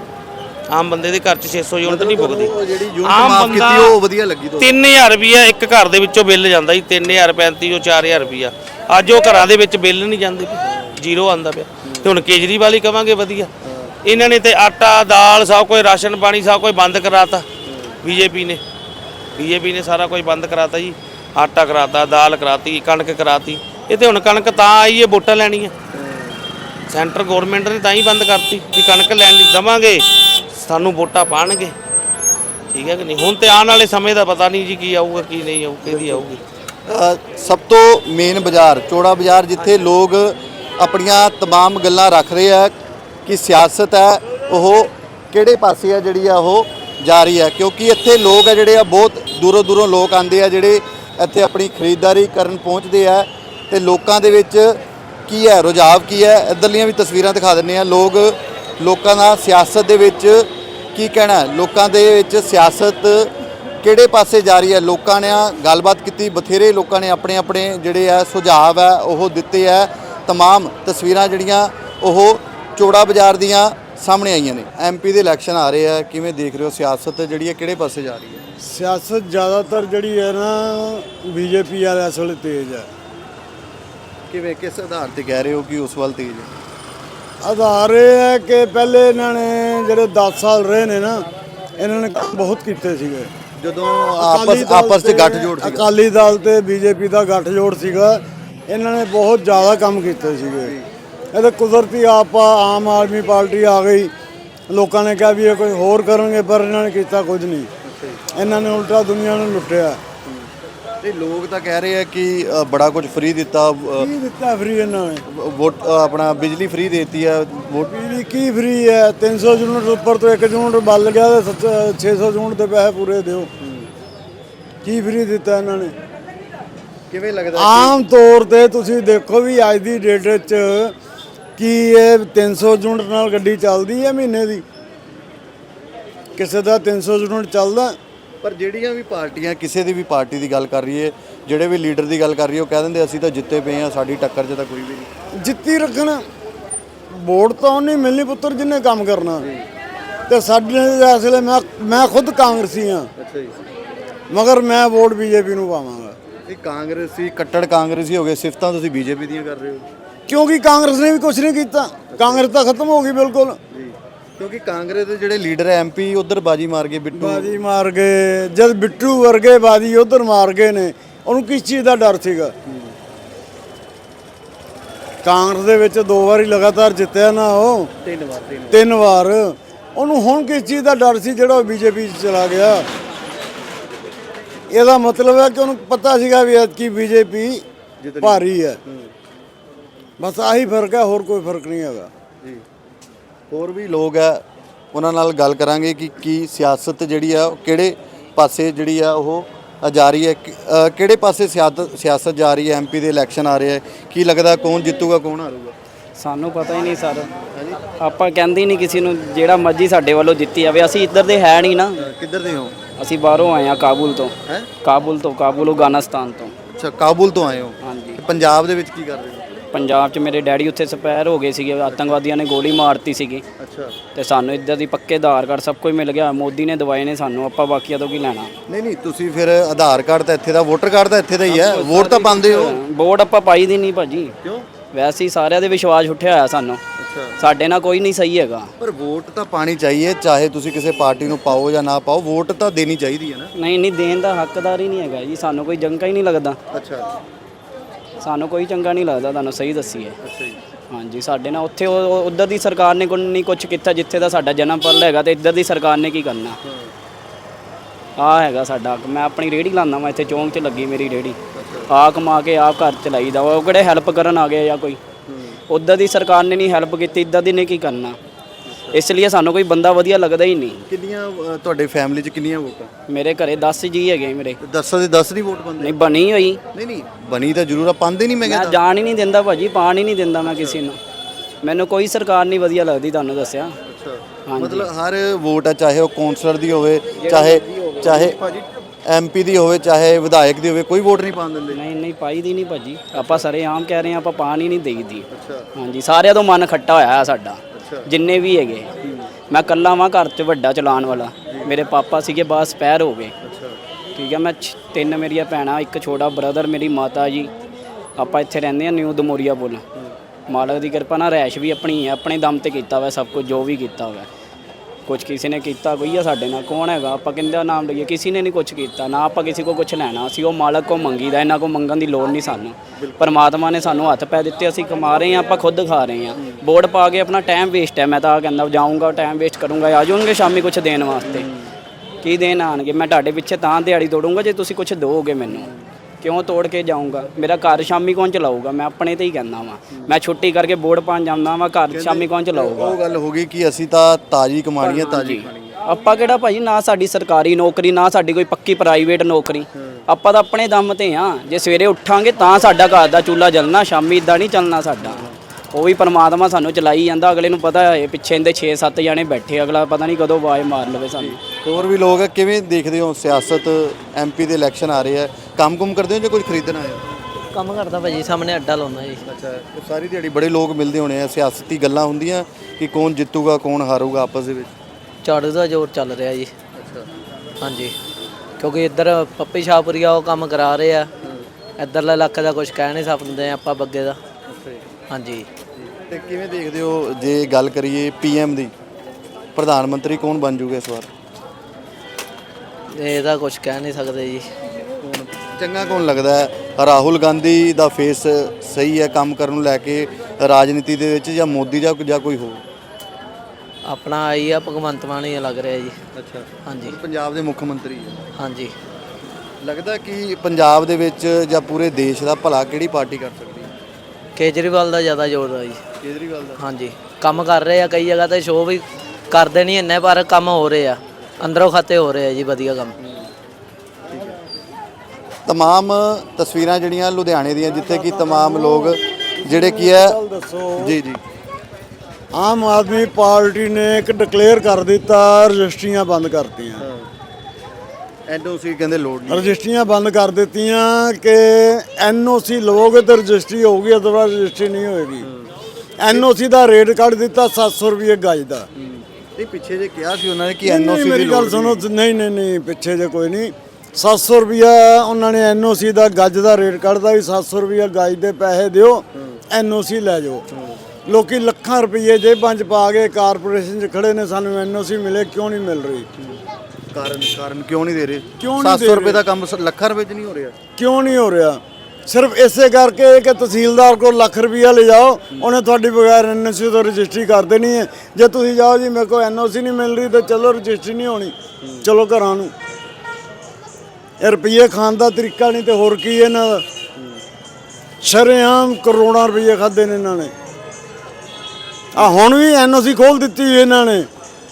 I: ਆਮ ਬੰਦੇ ਦੇ ਘਰ 'ਚ 600 ਯੂਨਿਟ ਨਹੀਂ ਫੁੱਕਦੀ। ਆਮ ਬੰਦਾ
A: ਉਹ ਵਧੀਆ ਲੱਗੀ
I: 3000 ਰੁਪਇਆ ਇੱਕ ਘਰ ਦੇ ਵਿੱਚੋਂ ਬਿੱਲ ਜਾਂਦਾ ਜੀ, 3000 35 ਉਹ 4000 ਰੁਪਇਆ। ਅੱਜ ਉਹ ਘਰਾਂ ਦੇ ਵਿੱਚ ਬਿੱਲ ਨਹੀਂ ਜਾਂਦੇ, ਜ਼ੀਰੋ ਆਉਂਦਾ ਪਿਆ। ਤੇ ਹੁਣ ਕੇਜਰੀਵਾਲ ਹੀ ਕਵਾਂਗੇ ਵਧੀਆ। ਇਹਨਾਂ ਨੇ ਤੇ ਆਟਾ ਦਾਲ ਸਭ ਕੁਝ, ਰਾਸ਼ਨ ਪਾਣੀ ਸਭ ਕੁਝ ਬੰਦ ਕਰਾਤਾ। ਬੀਜੇਪੀ ਨੇ ਸਾਰਾ ਕੁਝ ਬੰਦ ਕਰਾਤਾ ਜੀ, ਆਟਾ ਕਰਾਤਾ, ਦਾਲ ਕਰਾਤੀ, ਕਣਕ ਕਰਾਤੀ। ਇਹ ਤੇ ਹੁਣ ਕਣਕ ਤਾਂ ਆਈ ਹੈ ਵੋਟਾਂ ਲੈਣੀਆਂ, ਸੈਂਟਰ ਗਵਰਨਮੈਂਟ ਨੇ ਤਾਂ ਹੀ ਬੰਦ ਕਰਤੀ ਕਿ ਕਣਕ ਲੈਣ ਲਈ ਦੇਵਾਂਗੇ, ਸਾਨੂੰ ਵੋਟਾਂ ਪਾਣਗੇ। ਠੀਕ ਹੈ ਕਿ ਨਹੀਂ? ਹੁਣ ਤੇ ਆਉਣ ਵਾਲੇ ਸਮੇਂ ਦਾ ਪਤਾ ਨਹੀਂ ਜੀ ਕੀ ਆਊਗਾ ਕੀ ਨਹੀਂ ਆਊ, ਕਿਹਦੀ ਆਊਗੀ।
A: ਸਭ ਤੋਂ ਮੇਨ ਬਾਜ਼ਾਰ ਚੌੜਾ ਬਾਜ਼ਾਰ, ਜਿੱਥੇ ਲੋਕ ਆਪਣੀਆਂ तमाम ਗੱਲਾਂ ਰੱਖ ਰਹੇ ਆ ਕਿ ਸਿਆਸਤ ਹੈ ਉਹ ਕਿਹੜੇ ਪਾਸੇ ਆ ਜਿਹੜੀ ਆ ਉਹ ਜਾ ਰਹੀ ਹੈ, ਕਿਉਂਕਿ ਇੱਥੇ ਲੋਕ ਆ ਜਿਹੜੇ ਆ ਬਹੁਤ ਦੂਰੋਂ ਦੂਰੋਂ ਲੋਕ ਆਉਂਦੇ ਆ ਜਿਹੜੇ ਇੱਥੇ ਆਪਣੀ ਖਰੀਦਦਾਰੀ ਕਰਨ ਪਹੁੰਚਦੇ ਆ ਤੇ ਲੋਕਾਂ ਦੇ ਵਿੱਚ ਕੀ ਹੈ ਰੁਝਾਵ ਕੀ ਹੈ ਇੱਧਰਲੀਆਂ ਵੀ ਤਸਵੀਰਾਂ ਦਿਖਾ ਦਿੰਦੇ ਆ। ਲੋਕਾਂ ਦਾ ਸਿਆਸਤ ਦੇ ਵਿੱਚ ਕੀ ਕਹਿਣਾ, ਲੋਕਾਂ ਦੇ ਵਿੱਚ ਸਿਆਸਤ ਕਿਹੜੇ ਪਾਸੇ ਜਾ ਰਹੀ ਹੈ। ਲੋਕਾਂ ਨੇ ਗੱਲਬਾਤ ਕੀਤੀ, ਬਥੇਰੇ ਲੋਕਾਂ ਨੇ ਆਪਣੇ ਆਪਣੇ ਜਿਹੜੇ ਆ ਸੁਝਾਅ ਹੈ ਉਹ ਦਿੱਤੇ ਆ। तमाम ਤਸਵੀਰਾਂ ਜਿਹੜੀਆਂ ਉਹ ਚੋੜਾ ਬਾਜ਼ਾਰ ਦੀਆਂ ਸਾਹਮਣੇ ਆਈਆਂ ਨੇ। ਐਮਪੀ ਦੇ ਇਲੈਕਸ਼ਨ ਆ ਰਹੇ ਆ, ਕਿਵੇਂ ਦੇਖ ਰਹੇ ਹੋ ਸਿਆਸਤ ਜਿਹੜੀ ਹੈ ਕਿਹੜੇ ਪਾਸੇ ਜਾ ਰਹੀ ਹੈ?
J: ਸਿਆਸਤ ਜ਼ਿਆਦਾਤਰ ਜਿਹੜੀ ਹੈ ਨਾ ਬੀਜੇਪੀ ਵਾਲਾ ਇਸ ਵੇਲੇ ਤੇਜ਼ ਹੈ।
A: ਕਿਵੇਂ, ਕਿਸ ਆਧਾਰ ਤੇ ਕਹਿ ਰਹੇ ਹੋ ਕਿ ਉਸ ਵੱਲ ਤੇਜ਼ ਹੈ?
J: ਆਧਾਰ ਇਹ ਹੈ ਕਿ ਪਹਿਲੇ ਇਹਨਾਂ ਨੇ ਜਿਹੜੇ 10 ਸਾਲ ਰਹੇ ਨੇ ਨਾ, ਇਹਨਾਂ ਨੇ ਬਹੁਤ ਕੀਤੇ ਸੀਗੇ।
A: ਜਦੋਂ ਆਪਸ 'ਚ ਗੱਠਜੋੜ ਸੀ,
J: ਅਕਾਲੀ ਦਲ ਤੇ ਬੀਜੇਪੀ ਦਾ ਗੱਠਜੋੜ ਸੀਗਾ, ਇਹਨਾਂ ਨੇ ਬਹੁਤ ਜ਼ਿਆਦਾ ਕੰਮ ਕੀਤੇ ਸੀਗੇ। ਇਹ ਤਾਂ ਕੁਦਰਤੀ ਆਮ ਆਦਮੀ ਪਾਰਟੀ ਆ ਗਈ, ਲੋਕਾਂ ਨੇ ਕਿਹਾ ਵੀ ਇਹ ਕੋਈ ਹੋਰ ਕਰਨਗੇ, ਪਰ ਇਹਨਾਂ ਨੇ ਕੀਤਾ ਕੁਝ ਨਹੀਂ। ਇਹਨਾਂ ਨੇ ਉਲਟਾ ਦੁਨੀਆ ਨੂੰ ਲੁੱਟਿਆ।
A: ਤੇ ਲੋਕ ਤਾਂ ਕਹਿ ਰਹੇ ਆ ਕਿ ਬੜਾ ਕੁਝ ਫ੍ਰੀ ਦਿੱਤਾ।
J: ਕੀ ਦਿੱਤਾ ਫ੍ਰੀ ਇਹਨਾਂ ਨੇ?
A: ਵੋਟ ਆਪਣਾ ਬਿਜਲੀ ਫ੍ਰੀ ਦੇਤੀ ਆ।
J: ਬਿਜਲੀ ਕੀ ਫ੍ਰੀ ਹੈ? 300 ਯੂਨਿਟ ਉੱਪਰ ਤੋਂ 1 ਯੂਨਿਟ ਬਲ ਗਿਆ ਤੇ 600 ਯੂਨਿਟ ਦੇ ਪੈਸੇ ਪੂਰੇ ਦਿਓ। ਕੀ ਫ੍ਰੀ ਦਿੱਤਾ ਇਹਨਾਂ ਨੇ?
A: ਕਿਵੇਂ ਲੱਗਦਾ?
J: ਆਮ ਤੌਰ ਤੇ ਤੁਸੀਂ ਦੇਖੋ ਵੀ ਅੱਜ ਦੀ ਡੇਟ ਵਿੱਚ ਕੀ ਇਹ 300 ਯੂਨਿਟ ਨਾਲ ਗੱਡੀ ਚੱਲਦੀ ਹੈ ਮਹੀਨੇ ਦੀ? ਕਿਸੇ ਦਾ 300 ਯੂਨਿਟ ਚੱਲਦਾ?
A: ਪਰ ਜਿਹੜੀਆਂ ਵੀ ਪਾਰਟੀਆਂ ਕਿਸੇ ਦੀ ਵੀ ਪਾਰਟੀ ਦੀ ਗੱਲ ਕਰ ਰਹੀ ਹੈ, ਜਿਹੜੇ ਵੀ ਲੀਡਰ ਦੀ ਗੱਲ ਕਰ ਰਹੀ ਹੈ, ਉਹ ਕਹਿ ਦਿੰਦੇ ਅਸੀਂ ਤਾਂ ਜਿੱਤੇ ਪਏ ਆ, ਸਾਡੀ ਟੱਕਰ 'ਚ ਤਾਂ ਕੋਈ ਵੀ ਨਹੀਂ।
J: ਜਿੱਤੀ ਰੱਖਣਾ ਵੋਟ ਤਾਂ ਉਹਨੇ ਮਿਲਣੀ ਪੁੱਤਰ ਜਿਹਨੇ ਕੰਮ ਕਰਨਾ। ਤੇ ਸਾਡੇ ਇਸ ਵੇਲੇ ਮੈਂ ਖੁਦ ਕਾਂਗਰਸੀ ਹਾਂ।
A: ਅੱਛਾ ਜੀ।
J: ਮਗਰ ਮੈਂ ਵੋਟ ਬੀਜੇਪੀ ਨੂੰ ਪਾਵਾਂਗਾ।
A: ਇਹ ਕਾਂਗਰਸੀ ਕੱਟੜ ਕਾਂਗਰਸੀ ਹੋ ਗਏ, ਸਿਫਤਾਂ ਤੁਸੀਂ ਬੀਜੇਪੀ ਦੀਆਂ ਕਰ ਰਹੇ ਹੋ।
J: ਕਿਉਂਕਿ ਕਾਂਗਰਸ ਨੇ ਵੀ ਕੁਝ ਨਹੀਂ ਕੀਤਾ। ਕਾਂਗਰਸ ਤਾਂ ਖਤਮ ਹੋ ਗਈ ਬਿਲਕੁਲ।
A: ਕਿਉਂਕਿ ਕਾਂਗਰਸ ਦੇ ਜਿਹੜੇ ਲੀਡਰ ਹੈ ਐਮਪੀ ਉਧਰ ਬਾਜੀ ਮਾਰ ਗਏ, ਬਿੱਟੂ
J: ਬਾਜੀ ਮਾਰ ਗਏ। ਜਦ ਬਿੱਟੂ ਵਰਗੇ ਬਾਜੀ ਉਧਰ ਮਾਰ ਗਏ ਨੇ, ਉਹਨੂੰ ਕਿਸ ਚੀਜ਼ ਦਾ ਡਰ ਸੀਗਾ? ਕਾਂਗਰਸ ਦੇ ਵਿੱਚ 2 ਵਾਰੀ ਲਗਾਤਾਰ ਜਿੱਤਿਆ ਨਾ, ਉਹ 3 ਵਾਰ। ਉਹਨੂੰ ਹੁਣ ਕਿਸ ਚੀਜ਼ ਦਾ ਡਰ ਸੀ ਜਿਹੜਾ ਬੀਜੇਪੀ 'ਚ ਚਲਾ ਗਿਆ? ਇਹਦਾ ਮਤਲਬ ਹੈ ਕਿ ਉਹਨੂੰ ਪਤਾ ਸੀਗਾ ਵੀ ਐਤਕੀ ਬੀਜੇਪੀ ਭਾਰੀ ਹੈ। ਬਸ ਆਹੀ ਫਰਕ ਹੈ, ਹੋਰ ਕੋਈ ਫਰਕ ਨਹੀਂ ਹੈਗਾ
A: ਜੀ। ਹੋਰ ਵੀ ਲੋਕ ਹੈ, ਉਹਨਾਂ ਨਾਲ ਗੱਲ ਕਰਾਂਗੇ ਕਿ ਕੀ ਸਿਆਸਤ ਜਿਹੜੀ ਆ ਉਹ ਕਿਹੜੇ ਪਾਸੇ ਜਿਹੜੀ ਆ ਉਹ ਜਾ ਰਹੀ ਹੈ, ਕਿਹੜੇ ਪਾਸੇ ਸਿਆਸਤ ਜਾ ਰਹੀ ਹੈ। ਐਮਪੀ ਦੇ ਇਲੈਕਸ਼ਨ ਆ ਰਹੇ ਹੈ, ਕੀ ਲੱਗਦਾ ਕੌਣ ਜਿੱਤੂਗਾ ਕੌਣ ਹਾਰੂਗਾ?
K: ਸਾਨੂੰ ਪਤਾ ਹੀ ਨਹੀਂ ਸਰ, ਆਪਾਂ ਕਹਿੰਦੇ ਹੀ ਨਹੀਂ ਕਿਸੇ ਨੂੰ, ਜਿਹੜਾ ਮਰਜ਼ੀ ਸਾਡੇ ਵੱਲੋਂ ਜਿੱਤੀ ਜਾਵੇ। ਅਸੀਂ ਇੱਧਰ ਦੇ ਹੈ ਨਹੀਂ ਨਾ।
A: ਕਿੱਧਰ ਦੇ ਹੋ?
K: ਅਸੀਂ ਬਾਹਰੋਂ ਆਏ ਆ, ਕਾਬੁਲ ਤੋਂ।
A: ਹੈ?
K: ਕਾਬੁਲ ਅਫਗਾਨਿਸਤਾਨ ਤੋਂ।
A: ਅੱਛਾ, ਕਾਬੁਲ ਤੋਂ ਆਏ ਹੋ।
K: ਹਾਂਜੀ।
A: ਪੰਜਾਬ ਦੇ ਵਿੱਚ ਕੀ ਕਰ ਰਹੇ ਹੋ?
K: ਪੰਜਾਬ 'ਚ ਮੇਰੇ ਡੈਡੀ ਉੱਥੇ ਸਪੈਰ ਹੋ ਗਏ ਸੀਗੇ, ਆਤੰਕਵਾਦੀਆਂ ਨੇ ਗੋਲੀ ਮਾਰਤੀ ਸੀਗੀ।
A: ਅੱਛਾ।
K: ਤੇ ਸਾਨੂੰ ਇੱਧਰ ਦੀ ਪੱਕੇ ਆਧਾਰ ਕਾਰਡ ਸਭ ਕੁਝ ਮਿਲ ਗਿਆ, ਮੋਦੀ ਨੇ ਦਵਾਏ ਨੇ ਸਾਨੂੰ, ਆਪਾਂ ਬਾਕੀਆਂ ਤੋਂ ਕੀ ਲੈਣਾ?
A: ਨਹੀਂ, ਤੁਸੀਂ ਫਿਰ ਆਧਾਰ ਕਾਰਡ ਤਾਂ ਇੱਥੇ ਦਾ, ਵੋਟਰ ਕਾਰਡ ਤਾਂ ਇੱਥੇ ਦਾ ਹੀ ਹੈ, ਵੋਟ ਤਾਂ ਪਾਉਂਦੇ ਹੋ।
K: ਵੋਟ ਆਪਾਂ ਪਾਈ ਦੀ ਨਹੀਂ ਭਾਜੀ।
A: ਕਿਉਂ?
K: ਵੈਸੇ ਹੀ ਸਾਰਿਆਂ ਦੇ ਵਿਸ਼ਵਾਸ ਉੱਠਿਆ ਹੋਇਆ ਸਾਨੂੰ।
A: ਅੱਛਾ।
K: ਸਾਡੇ ਨਾਲ ਕੋਈ ਨਹੀਂ ਸਹੀ ਹੈਗਾ।
A: ਪਰ ਵੋਟ ਤਾਂ ਪਾਣੀ ਚਾਹੀਏ, ਚਾਹੇ ਤੁਸੀਂ ਕਿਸੇ ਪਾਰਟੀ ਨੂੰ ਪਾਓ ਜਾਂ ਨਾ ਪਾਓ, ਵੋਟ ਤਾਂ ਦੇਣੀ ਚਾਹੀਦੀ ਹੈ ਨਾ।
K: ਨਹੀਂ ਦੇਣ ਦਾ ਹੱਕਦਾਰ ਹੀ ਨਹੀਂ ਹੈਗਾ ਜੀ। ਸਾਨੂੰ ਕੋਈ ਚੰਗਾ ਹੀ ਨਹੀਂ ਲੱਗਦਾ।
A: ਅੱਛਾ।
K: ਸਾਨੂੰ ਕੋਈ ਚੰਗਾ ਨਹੀਂ ਲੱਗਦਾ, ਤੁਹਾਨੂੰ ਸਹੀ ਦੱਸੀਏ।
A: ਅੱਛਾ ਜੀ।
K: ਹਾਂਜੀ, ਸਾਡੇ ਨਾਲ ਉੱਥੇ ਉੱਧਰ ਦੀ ਸਰਕਾਰ ਨੇ ਕੋਈ ਨਹੀਂ ਕੁਝ ਕੀਤਾ, ਜਿੱਥੇ ਦਾ ਸਾਡਾ ਜਨਮ ਪਲ ਹੈਗਾ, ਤੇ ਇੱਧਰ ਦੀ ਸਰਕਾਰ ਨੇ ਕੀ ਕਰਨਾ? ਆਹ ਹੈਗਾ ਸਾਡਾ। ਮੈਂ ਆਪਣੀ ਰੇਹੜੀ ਲਾਉਂਦਾ ਵਾਂ, ਇੱਥੇ ਚੌਂਕ 'ਚ ਲੱਗੀ ਮੇਰੀ ਰੇਹੜੀ। ਆ ਕਮਾ ਕੇ ਆਪ ਘਰ ਚਲਾਈਦਾ। ਉਹ ਕਿਹੜੇ ਹੈਲਪ ਕਰਨ ਆ ਗਏ ਜਾਂ ਕੋਈ? ਉੱਧਰ ਦੀ ਸਰਕਾਰ ਨੇ ਨਹੀਂ ਹੈਲਪ ਕੀਤੀ, ਇੱਧਰ ਦੀ ਨੇ ਕੀ ਕਰਨਾ? ਇਸ ਲਈ ਸਾਨੂੰ ਕੋਈ ਬੰਦਾ ਵਧੀਆ ਲੱਗਦਾ ਹੀ ਨਹੀਂ।
A: ਕਿੰਨੀਆਂ ਤੁਹਾਡੇ ਫੈਮਿਲੀ 'ਚ ਕਿੰਨੀਆਂ ਵੋਟਾਂ?
K: ਮੇਰੇ ਘਰੇ 10 ਜੀ ਹੈਗੇ ਮੇਰੇ।
A: 10 ਦੇ 10 ਦੀ ਵੋਟ ਪਾਉਂਦੇ?
K: ਨਹੀਂ ਬਣੀ ਹੋਈ।
A: ਨਹੀਂ ਬਣੀ ਤਾਂ ਜ਼ਰੂਰ ਆ, ਪਾਉਂਦੇ ਨਹੀਂ। ਮੈਂ
K: ਮੈਂ ਜਾਣ ਹੀ ਨਹੀਂ ਦਿੰਦਾ ਭਾਜੀ, ਪਾਣ ਹੀ ਨਹੀਂ ਦਿੰਦਾ ਮੈਂ ਕਿਸੇ ਨੂੰ। ਮੈਨੂੰ ਕੋਈ ਸਰਕਾਰ ਨਹੀਂ ਵਧੀਆ ਲੱਗਦੀ, ਤੁਹਾਨੂੰ ਦੱਸਿਆ।
A: ਅੱਛਾ। ਮਤਲਬ ਹਰ ਵੋਟ ਆ, ਚਾਹੇ ਉਹ ਕੌਂਸਲਰ ਦੀ ਹੋਵੇ, ਚਾਹੇ ਐਮਪੀ ਦੀ ਹੋਵੇ, ਚਾਹੇ ਵਿਧਾਇਕ ਦੀ ਹੋਵੇ, ਕੋਈ ਵੋਟ ਨਹੀਂ ਪਾਉਣ ਦਿੰਦੇ?
K: ਨਹੀਂ ਪਾਈ ਦੀ ਨਹੀਂ ਭਾਜੀ। ਆਪਾਂ ਸਾਰੇ ਆਮ ਕਹਿ ਰਹੇ ਆ, ਆਪਾਂ ਪਾਣ ਹੀ ਨਹੀਂ ਦੇਈਦੀ। ਹਾਂਜੀ, ਸਾਰਿਆਂ ਤੋਂ ਮਨ ਖੱਟਾ ਹੋਇਆ ਹੈ ਸਾਡਾ, ਜਿੰਨੇ ਵੀ ਹੈਗੇ। ਮੈਂ ਇਕੱਲਾ ਵਾਂ ਘਰ 'ਚ ਵੱਡਾ ਚਲਾਉਣ ਵਾਲਾ। ਮੇਰੇ ਪਾਪਾ ਸੀਗੇ, ਬਾਅਦ ਸਪੈਰ ਹੋ ਗਏ। ਠੀਕ ਹੈ। ਮੈਂ 3 ਮੇਰੀਆਂ ਭੈਣਾਂ, ਇੱਕ ਛੋਟਾ ਬ੍ਰਦਰ, ਮੇਰੀ ਮਾਤਾ ਜੀ। ਆਪਾਂ ਇੱਥੇ ਰਹਿੰਦੇ ਆ ਨਿਊ ਦਮੋਰੀਆ ਪੁੱਲ। ਮਾਲਕ ਦੀ ਕਿਰਪਾ ਨਾਲ ਰੈਸ਼ ਵੀ ਆਪਣੀ ਹੈ, ਆਪਣੇ ਦਮ ਤੇ ਕੀਤਾ ਹੋਇਆ ਸਭ ਕੁਝ, ਜੋ ਵੀ ਕੀਤਾ ਹੋਇਆ। ਕੁਝ ਕਿਸੇ ਨੇ ਕੀਤਾ ਕੋਈ ਆ ਸਾਡੇ ਨਾਲ? ਕੌਣ ਹੈਗਾ? ਆਪਾਂ ਕਿੰਦਾ ਨਾਮ ਲਈਏ? ਕਿਸੇ ਨੇ ਨਹੀਂ ਕੁਝ ਕੀਤਾ ਨਾ। ਆਪਾਂ ਕਿਸੇ ਕੋ ਕੁਝ ਲੈਣਾ, ਅਸੀਂ ਉਹ ਮਾਲਕ ਕੋ ਮੰਗੀਦਾ। ਇਹਨਾਂ ਕੋ ਮੰਗਣ ਦੀ ਲੋੜ ਨਹੀਂ ਸਾਨੂੰ। ਪਰਮਾਤਮਾ ਨੇ ਸਾਨੂੰ ਹੱਥ ਪੈ ਦਿੱਤੇ, ਅਸੀਂ ਕਮਾ ਰਹੇ ਹਾਂ, ਆਪਾਂ ਖੁਦ ਖਾ ਰਹੇ ਹਾਂ। ਵੋਟ ਪਾ ਕੇ ਆਪਣਾ ਟਾਈਮ ਵੇਸਟ ਹੈ। ਮੈਂ ਤਾਂ ਕਹਿੰਦਾ ਜਾਊਂਗਾ, ਟਾਈਮ ਵੇਸਟ ਕਰੂੰਗਾ, ਆ ਜਾਊਂਗੇ ਸ਼ਾਮੀ ਕੁਝ ਦੇਣ ਵਾਸਤੇ। ਕੀ ਦੇਣ ਆਣਗੇ? ਮੈਂ ਤੁਹਾਡੇ ਪਿੱਛੇ ਤਾਂ ਦਿਹਾੜੀ ਤੋੜੂੰਗਾ ਜੇ ਤੁਸੀਂ ਕੁਝ ਦਿਓਗੇ ਮੈਨੂੰ। ਕਿਉਂ ਤੋੜ ਕੇ ਜਾਊਂਗਾ? ਮੇਰਾ ਘਰ ਸ਼ਾਮੀ ਕੌਣ ਚਲਾਊਗਾ? ਮੈਂ ਆਪਣੇ ਤੇ ਹੀ ਕਹਿੰਦਾ ਵਾਂ, ਮੈਂ ਛੁੱਟੀ ਕਰਕੇ ਵੋਟ ਪਾਉਣ ਜਾਂਦਾ ਵਾਂ, ਘਰ ਸ਼ਾਮੀ ਕੌਣ ਚਲਾਊਗਾ?
A: ਉਹ ਗੱਲ ਹੋ ਗਈ ਕਿ ਅਸੀਂ ਤਾਂ ਤਾਜ਼ੀ ਕਮਾਣੀ ਹੈ, ਤਾਜ਼ੀ ਖਾਣੀ ਹੈ।
K: ਆਪਾਂ ਕਿਹੜਾ ਭਾਜੀ, ਨਾ ਸਾਡੀ ਸਰਕਾਰੀ ਨੌਕਰੀ, ਨਾ ਸਾਡੀ ਕੋਈ ਪੱਕੀ ਪ੍ਰਾਈਵੇਟ ਨੌਕਰੀ, ਆਪਾਂ ਤਾਂ ਆਪਣੇ ਦਮ ਤੇ ਆ। ਜੇ ਸਵੇਰੇ ਉੱਠਾਂਗੇ ਤਾਂ ਸਾਡਾ ਘਰ ਦਾ ਚੁੱਲ੍ਹਾ ਜਲਣਾ, ਸ਼ਾਮੀ ਇਦਾਂ ਨਹੀਂ ਚੱਲਣਾ ਸਾਡਾ। ਉਹ ਵੀ ਪਰਮਾਤਮਾ ਸਾਨੂੰ ਚਲਾਈ ਜਾਂਦਾ, ਅਗਲੇ ਨੂੰ ਪਤਾ ਹੈ ਪਿੱਛੇ ਇਹਦੇ 6-7 ਜਾਣੇ ਬੈਠੇ, ਅਗਲਾ ਪਤਾ ਨਹੀਂ ਕਦੋਂ ਆਵਾਜ਼ ਮਾਰ ਲਵੇ ਸਾਨੂੰ।
A: ਹੋਰ ਵੀ ਲੋਕ ਕਿਵੇਂ ਦੇਖਦੇ ਹੋ ਸਿਆਸਤ? ਐਮਪੀ ਦੇ ਇਲੈਕਸ਼ਨ ਆ ਰਹੇ ਆ, ਕੰਮ ਕਰਦੇ ਹੋ ਜਾਂ ਕੁਝ ਖਰੀਦਣਾ ਹੈ?
L: ਕੰਮ ਕਰਦਾ ਭਾਜੀ, ਸਾਹਮਣੇ ਅੱਡਾ ਲਾਉਂਦਾ ਜੀ।
A: ਅੱਛਾ, ਸਾਰੀ ਦਿਹਾੜੀ ਬੜੇ ਲੋਕ ਮਿਲਦੇ ਹੋਣੇ ਆ, ਸਿਆਸਤੀ ਗੱਲਾਂ ਹੁੰਦੀਆਂ ਕਿ ਕੌਣ ਜਿੱਤੂਗਾ ਕੌਣ ਹਾਰੂਗਾ ਆਪਸ ਦੇ ਵਿੱਚ?
L: ਝਾੜੂ ਦਾ ਜ਼ੋਰ ਚੱਲ ਰਿਹਾ ਜੀ।
A: ਅੱਛਾ,
L: ਹਾਂਜੀ, ਕਿਉਂਕਿ ਇੱਧਰ ਪੱਪੀ ਸ਼ਾਹਪੁਰੀਆ ਉਹ ਕੰਮ ਕਰਾ ਰਹੇ ਆ, ਇੱਧਰਲਾ ਇਲਾਕੇ ਦਾ ਕੁਝ ਕਹਿ ਨਹੀਂ ਸਕਦੇ ਆਪਾਂ ਬੱਗੇ ਦਾ। ਹਾਂਜੀ,
A: ਤੇ ਕਿਵੇਂ ਦੇਖਦੇ ਹੋ ਜੇ ਗੱਲ ਕਰੀਏ ਪੀਐਮ ਦੀ, ਪ੍ਰਧਾਨ ਮੰਤਰੀ ਕੌਣ ਬਣ ਜੂਗਾ ਇਸ ਵਾਰ?
L: ਇਹਦਾ ਕੁਝ ਕਹਿ ਨਹੀਂ ਸਕਦੇ ਜੀ।
A: ਚੰਗਾ ਕੌਣ ਲੱਗਦਾ ਹੈ? ਰਾਹੁਲ ਗਾਂਧੀ ਦਾ ਫੇਸ ਸਹੀ ਹੈ ਕੰਮ ਕਰਨ ਨੂੰ ਲੈ ਕੇ ਰਾਜਨੀਤੀ ਦੇ ਵਿੱਚ, ਜਾਂ ਮੋਦੀ ਜਾਂ ਕੋਈ ਹੋਰ?
L: ਆਪਣਾ ਆਈ ਆ ਭਗਵੰਤ ਮਾਨ ਹੀ ਲੱਗ ਰਿਹਾ ਜੀ।
A: ਅੱਛਾ,
L: ਹਾਂਜੀ,
A: ਪੰਜਾਬ ਦੇ ਮੁੱਖ ਮੰਤਰੀ ਹੈ।
L: ਹਾਂਜੀ,
A: ਲੱਗਦਾ ਕਿ ਪੰਜਾਬ ਦੇ ਵਿੱਚ ਜਾਂ ਪੂਰੇ ਦੇਸ਼ ਦਾ ਭਲਾ ਕਿਹੜੀ ਪਾਰਟੀ ਕਰ ਸਕਦੀ ਹੈ?
L: ਕੇਜਰੀਵਾਲ ਦਾ ਜ਼ਿਆਦਾ ਜ਼ੋਰ ਆ ਜੀ।
A: ਕੇਜਰੀਵਾਲ ਦਾ?
L: ਹਾਂਜੀ, ਕੰਮ ਕਰ ਰਹੇ ਆ, ਕਈ ਜਗ੍ਹਾ ਤੇ ਸ਼ੋਅ ਵੀ ਕਰਦੇ ਨਹੀਂ ਇੰਨੇ, ਪਰ ਕੰਮ ਹੋ ਰਹੇ ਆ, ਅੰਦਰੋਂ ਖਾਤੇ ਹੋ ਰਹੇ ਆ ਜੀ, ਵਧੀਆ ਕੰਮ।
A: ਤਮਾਮ ਤਸਵੀਰਾਂ ਜਿਹੜੀਆਂ ਲੁਧਿਆਣੇ ਦੀਆਂ, ਜਿੱਥੇ ਕਿ ਤਮਾਮ ਲੋਕ ਜਿਹੜੇ ਕੀ ਹੈ ਜੀ ਜੀ
J: ਆਮ ਆਦਮੀ ਪਾਰਟੀ ਨੇ ਇੱਕ ਡਿਕਲੇਅਰ ਕਰ ਦਿੱਤਾ, ਰਜਿਸਟਰੀਆਂ ਬੰਦ ਕਰਤੀਆਂ।
A: ਐਨਓਸੀ ਕਹਿੰਦੇ ਲੋੜ ਨਹੀਂ,
J: ਰਜਿਸਟਰੀਆਂ ਬੰਦ ਕਰ ਦਿੱਤੀਆਂ ਕਿ ਐਨਓਸੀ ਲਵੋਗੇ ਤਾਂ ਰਜਿਸਟਰੀ ਹੋਊਗੀ, ਅਦਰਵਾਇਜ਼ ਰਜਿਸਟਰੀ ਨਹੀਂ ਹੋਏਗੀ। ਐਨਓਸੀ ਦਾ ਰੇਟ ਕੱਢ ਦਿੱਤਾ 700 ਰੁਪਏ ਗਜ ਦਾ।
A: ਇਹ ਪਿੱਛੇ ਜੇ ਕਿਹਾ ਸੀ ਉਹਨਾਂ ਨੇ ਕਿ ਐਨਓਸੀ ਦੀ
J: ਮੇਰੀ ਗੱਲ ਸੁਣੋ, ਨਹੀਂ ਪਿੱਛੇ ਜੇ ਕੋਈ ਨਹੀਂ, 700 ਰੁਪਿਆ ਉਹਨਾਂ ਨੇ ਐਨਓਸੀ ਦਾ ਗੱਜ ਦਾ ਰੇਟ ਕੱਢਦਾ ਵੀ 700 ਰੁਪਿਆ ਗੱਜ ਦੇ ਪੈਸੇ ਦਿਓ, ਐਨਓਸੀ ਲੈ ਜਾਓ। ਲੋਕੀ ਲੱਖਾਂ ਰੁਪਏ ਜੇਬਾਂ 'ਚ ਪਾ ਕੇ ਕਾਰਪੋਰੇਸ਼ਨ 'ਚ ਖੜੇ ਨੇ, ਸਾਨੂੰ ਐਨਓਸੀ ਮਿਲੇ ਕਿਉਂ ਨਹੀਂ ਮਿਲ ਰਹੀ?
A: ਕਾਰਨ ਕਿਉਂ ਨਹੀਂ ਦੇ ਰਹੇ?
J: ਕਿਉਂ ਨਹੀਂ
A: 700 ਰੁਪਏ ਦਾ ਕੰਮ ਲੱਖਾਂ ਰੁਪਏ 'ਚ ਨਹੀਂ ਹੋ ਰਿਹਾ?
J: ਕਿਉਂ ਨਹੀਂ ਹੋ ਰਿਹਾ? ਸਿਰਫ ਇਸੇ ਕਰਕੇ ਕਿ ਤਹਿਸੀਲਦਾਰ ਕੋਲ ਲੱਖ ਰੁਪਇਆ ਲੈ ਜਾਓ, ਉਹਨੇ ਤੁਹਾਡੀ ਬਗੈਰ ਐਨਓਸੀ ਤੋਂ ਰਜਿਸਟਰੀ ਕਰ ਦੇਣੀ ਹੈ। ਜੇ ਤੁਸੀਂ ਜਾਓ ਜੀ ਮੇਰੇ ਕੋਲ ਐਨਓਸੀ ਨਹੀਂ ਮਿਲ ਰਹੀ, ਤਾਂ ਚਲੋ ਰਜਿਸਟਰੀ ਨਹੀਂ ਹੋਣੀ, ਚਲੋ ਘਰਾਂ ਨੂੰ। ਇਹ ਰੁਪਈਏ ਖਾਣ ਦਾ ਤਰੀਕਾ ਨਹੀਂ ਤੇ ਹੋਰ ਕੀ ਇਹਨਾਂ ਦਾ? ਸ਼ਰੇਆਮ ਕਰੋੜਾਂ ਰੁਪਈਏ ਖਾਦੇ ਨੇ ਇਹਨਾਂ ਨੇ। ਆ ਹੁਣ ਵੀ ਐਨਓਸੀ ਖੋਲ ਦਿੱਤੀ ਇਹਨਾਂ ਨੇ,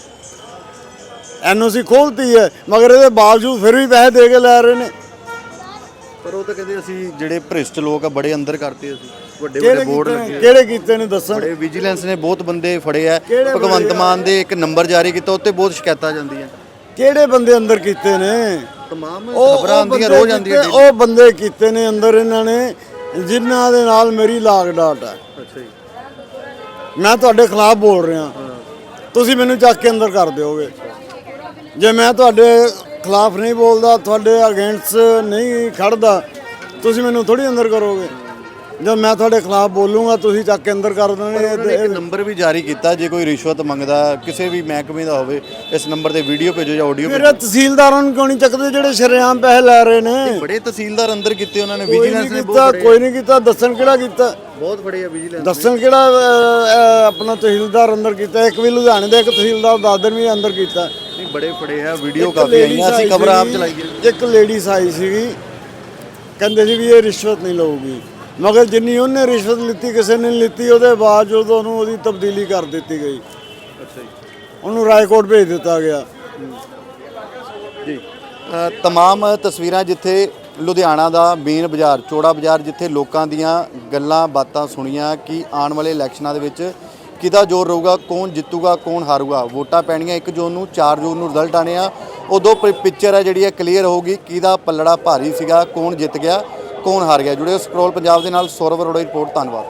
J: ਐਨਓਸੀ ਖੋਲਤੀ ਹੈ, ਮਗਰ ਇਹਦੇ ਬਾਵਜੂਦ ਫਿਰ ਵੀ ਪੈਸੇ ਦੇ ਕੇ ਲੈ ਰਹੇ ਨੇ।
A: ਪਰ ਉਹ ਤਾਂ ਕਹਿੰਦੇ ਅਸੀਂ ਜਿਹੜੇ ਭ੍ਰਿਸ਼ਟ ਲੋਕ ਆ ਬੜੇ ਅੰਦਰ ਕਰਤੇ, ਅਸੀਂ ਵੱਡੇ ਬੋਰਡ ਲੱਗੇ।
J: ਕਿਹੜੇ ਕੀਤੇ ਨੇ ਦੱਸਣ?
A: ਬੜੇ ਵਿਜੀਲੈਂਸ ਨੇ ਬਹੁਤ ਬੰਦੇ ਫੜੇ ਆ।
J: ਕਿਹੜੇ
A: ਭਗਵੰਤ ਮਾਨ ਦੇ ਇੱਕ ਨੰਬਰ ਜਾਰੀ ਕੀਤਾ, ਉੱਤੇ ਬਹੁਤ ਸ਼ਿਕਾਇਤਾਂ ਜਾਂਦੀਆਂ।
J: ਕਿਹੜੇ ਬੰਦੇ ਅੰਦਰ ਕੀਤੇ ਨੇ?
A: ਤਮਾਮ ਖਬਰਾਂ ਆਉਂਦੀਆਂ ਰੋਜ਼ ਆਉਂਦੀਆਂ।
J: ਉਹ ਬੰਦੇ ਕੀਤੇ ਨੇ ਅੰਦਰ ਇਹਨਾਂ ਨੇ ਜਿਨ੍ਹਾਂ ਦੇ ਨਾਲ ਮੇਰੀ ਲਾਗ ਡਾਟ ਹੈ।
A: ਅੱਛਾ ਜੀ,
J: ਮੈਂ ਤੁਹਾਡੇ ਖਿਲਾਫ ਬੋਲ ਰਿਹਾ, ਤੁਸੀਂ ਮੈਨੂੰ ਚੱਕ ਕੇ ਅੰਦਰ ਕਰ ਦਿਓਗੇ। ਜੇ ਮੈਂ ਤੁਹਾਡੇ ਖਿਲਾਫ ਨਹੀਂ ਬੋਲਦਾ, ਤੁਹਾਡੇ ਅਗੇਂਸਟ ਨਹੀਂ ਖੜਦਾ, ਤੁਸੀਂ ਮੈਨੂੰ ਥੋੜੀ ਅੰਦਰ ਕਰੋਗੇ। ਜਦ ਮੈਂ ਤੁਹਾਡੇ ਖਿਲਾਫ ਬੋਲੂੰਗਾ ਤੁਸੀਂ ਚੱਕ ਕੇ ਅੰਦਰ ਕਰ ਦੇਣਗੇ।
A: ਇੱਕ ਨੰਬਰ ਵੀ ਜਾਰੀ ਕੀਤਾ, ਜੇ ਕੋਈ ਰਿਸ਼ਵਤ ਮੰਗਦਾ ਕਿਸੇ ਵੀ ਮਹਿਕਮੇ ਦਾ ਹੋਵੇ, ਇਸ ਨੰਬਰ ਤੇ ਵੀਡੀਓ ਭੇਜੋ ਜਾਂ ਆਡੀਓ
J: ਮੇਰੇ ਤਹਿਸੀਲਦਾਰਾਂ ਨੂੰ ਕਿਉਂ ਨਹੀਂ ਚੱਕਦੇ ਜਿਹੜੇ ਸ਼ਰੇਆਮ ਪੈਸੇ ਲੈ ਰਹੇ ਨੇ?
A: ਬੜੇ ਤਹਿਸੀਲਦਾਰ ਅੰਦਰ ਕੀਤੇ ਉਹਨਾਂ ਨੇ,
J: ਕੋਈ
A: ਵਿਜੀਲੈਂਸ ਨੇ
J: ਕੋਈ ਨਹੀਂ ਕੀਤਾ। ਦੱਸਣ ਕਿਹੜਾ ਕੀਤਾ?
A: ਬਹੁਤ ਫੜੇ ਆ ਵਿਜੀਲੈਂਸ।
J: ਦੱਸਣ ਕਿਹੜਾ ਆਪਣਾ ਤਹਿਸੀਲਦਾਰ ਅੰਦਰ ਕੀਤਾ? ਇੱਕ ਵੀ ਲੁਧਿਆਣੇ ਦਾ ਇੱਕ ਤਹਿਸੀਲਦਾਰ ਦਾਦਰ ਵੀ ਅੰਦਰ ਕੀਤਾ।
A: ਨਹੀਂ ਬੜੇ ਫੜੇ ਆ, ਵੀਡੀਓ ਕਾਫੀ ਆਈਆਂ, ਅਸੀਂ ਖਬਰ ਆਪ ਚਲਾਈਏ।
J: ਇੱਕ ਲੇਡੀਜ਼ ਆਈ ਸੀਗੀ, ਕਹਿੰਦੇ ਸੀ ਵੀ ਇਹ ਰਿਸ਼ਵਤ ਨਹੀਂ ਲਊਗੀ, ਮਗਰ ਜਿੰਨੀ ਉਹਨੇ ਰਿਸ਼ਵਤ ਲਿੱਤੀ ਕਿਸੇ ਨੇ ਨਹੀਂ ਲਿੱਤੀ। ਉਹਦੇ ਬਾਅਦ ਜਦੋਂ ਉਹਨੂੰ ਉਹਦੀ ਤਬਦੀਲੀ ਕਰ ਦਿੱਤੀ ਗਈ।
A: ਅੱਛਾ ਜੀ,
J: ਉਹਨੂੰ ਰਾਏਕੋਟ ਭੇਜ ਦਿੱਤਾ ਗਿਆ
A: ਜੀ। ਤਮਾਮ ਤਸਵੀਰਾਂ ਜਿੱਥੇ ਲੁਧਿਆਣਾ ਦਾ ਮੇਨ ਬਾਜ਼ਾਰ, ਚੌੜਾ ਬਾਜ਼ਾਰ, ਜਿੱਥੇ ਲੋਕਾਂ ਦੀਆਂ ਗੱਲਾਂ ਬਾਤਾਂ ਸੁਣੀਆਂ ਕਿ ਆਉਣ ਵਾਲੇ ਇਲੈਕਸ਼ਨਾਂ ਦੇ ਵਿੱਚ ਕਿਹਦਾ ਜ਼ੋਰ ਰਹੂਗਾ, ਕੌਣ ਜਿੱਤੂਗਾ ਕੌਣ ਹਾਰੂਗਾ। ਵੋਟਾਂ ਪੈਣੀਆਂ 1 ਜੂਨ ਨੂੰ, 4 ਜੂਨ ਨੂੰ ਰਿਜ਼ਲਟ ਆਣੇ ਆ। ਉਦੋਂ ਪਿਕਚਰ ਹੈ ਜਿਹੜੀ ਹੈ ਕਲੀਅਰ ਹੋਊਗੀ ਕਿਹਦਾ ਪੱਲੜਾ ਭਾਰੀ ਸੀਗਾ, ਕੌਣ ਜਿੱਤ ਗਿਆ ਕੌਣ ਹਾਰ ਗਿਆ। ਜੁੜੇ ਸਕਰੋਲ ਪੰਜਾਬ ਦੇ ਨਾਲ, ਸੌਰਵ ਅਰੋੜਾ ਦੀ ਰਿਪੋਰਟ। ਧੰਨਵਾਦ।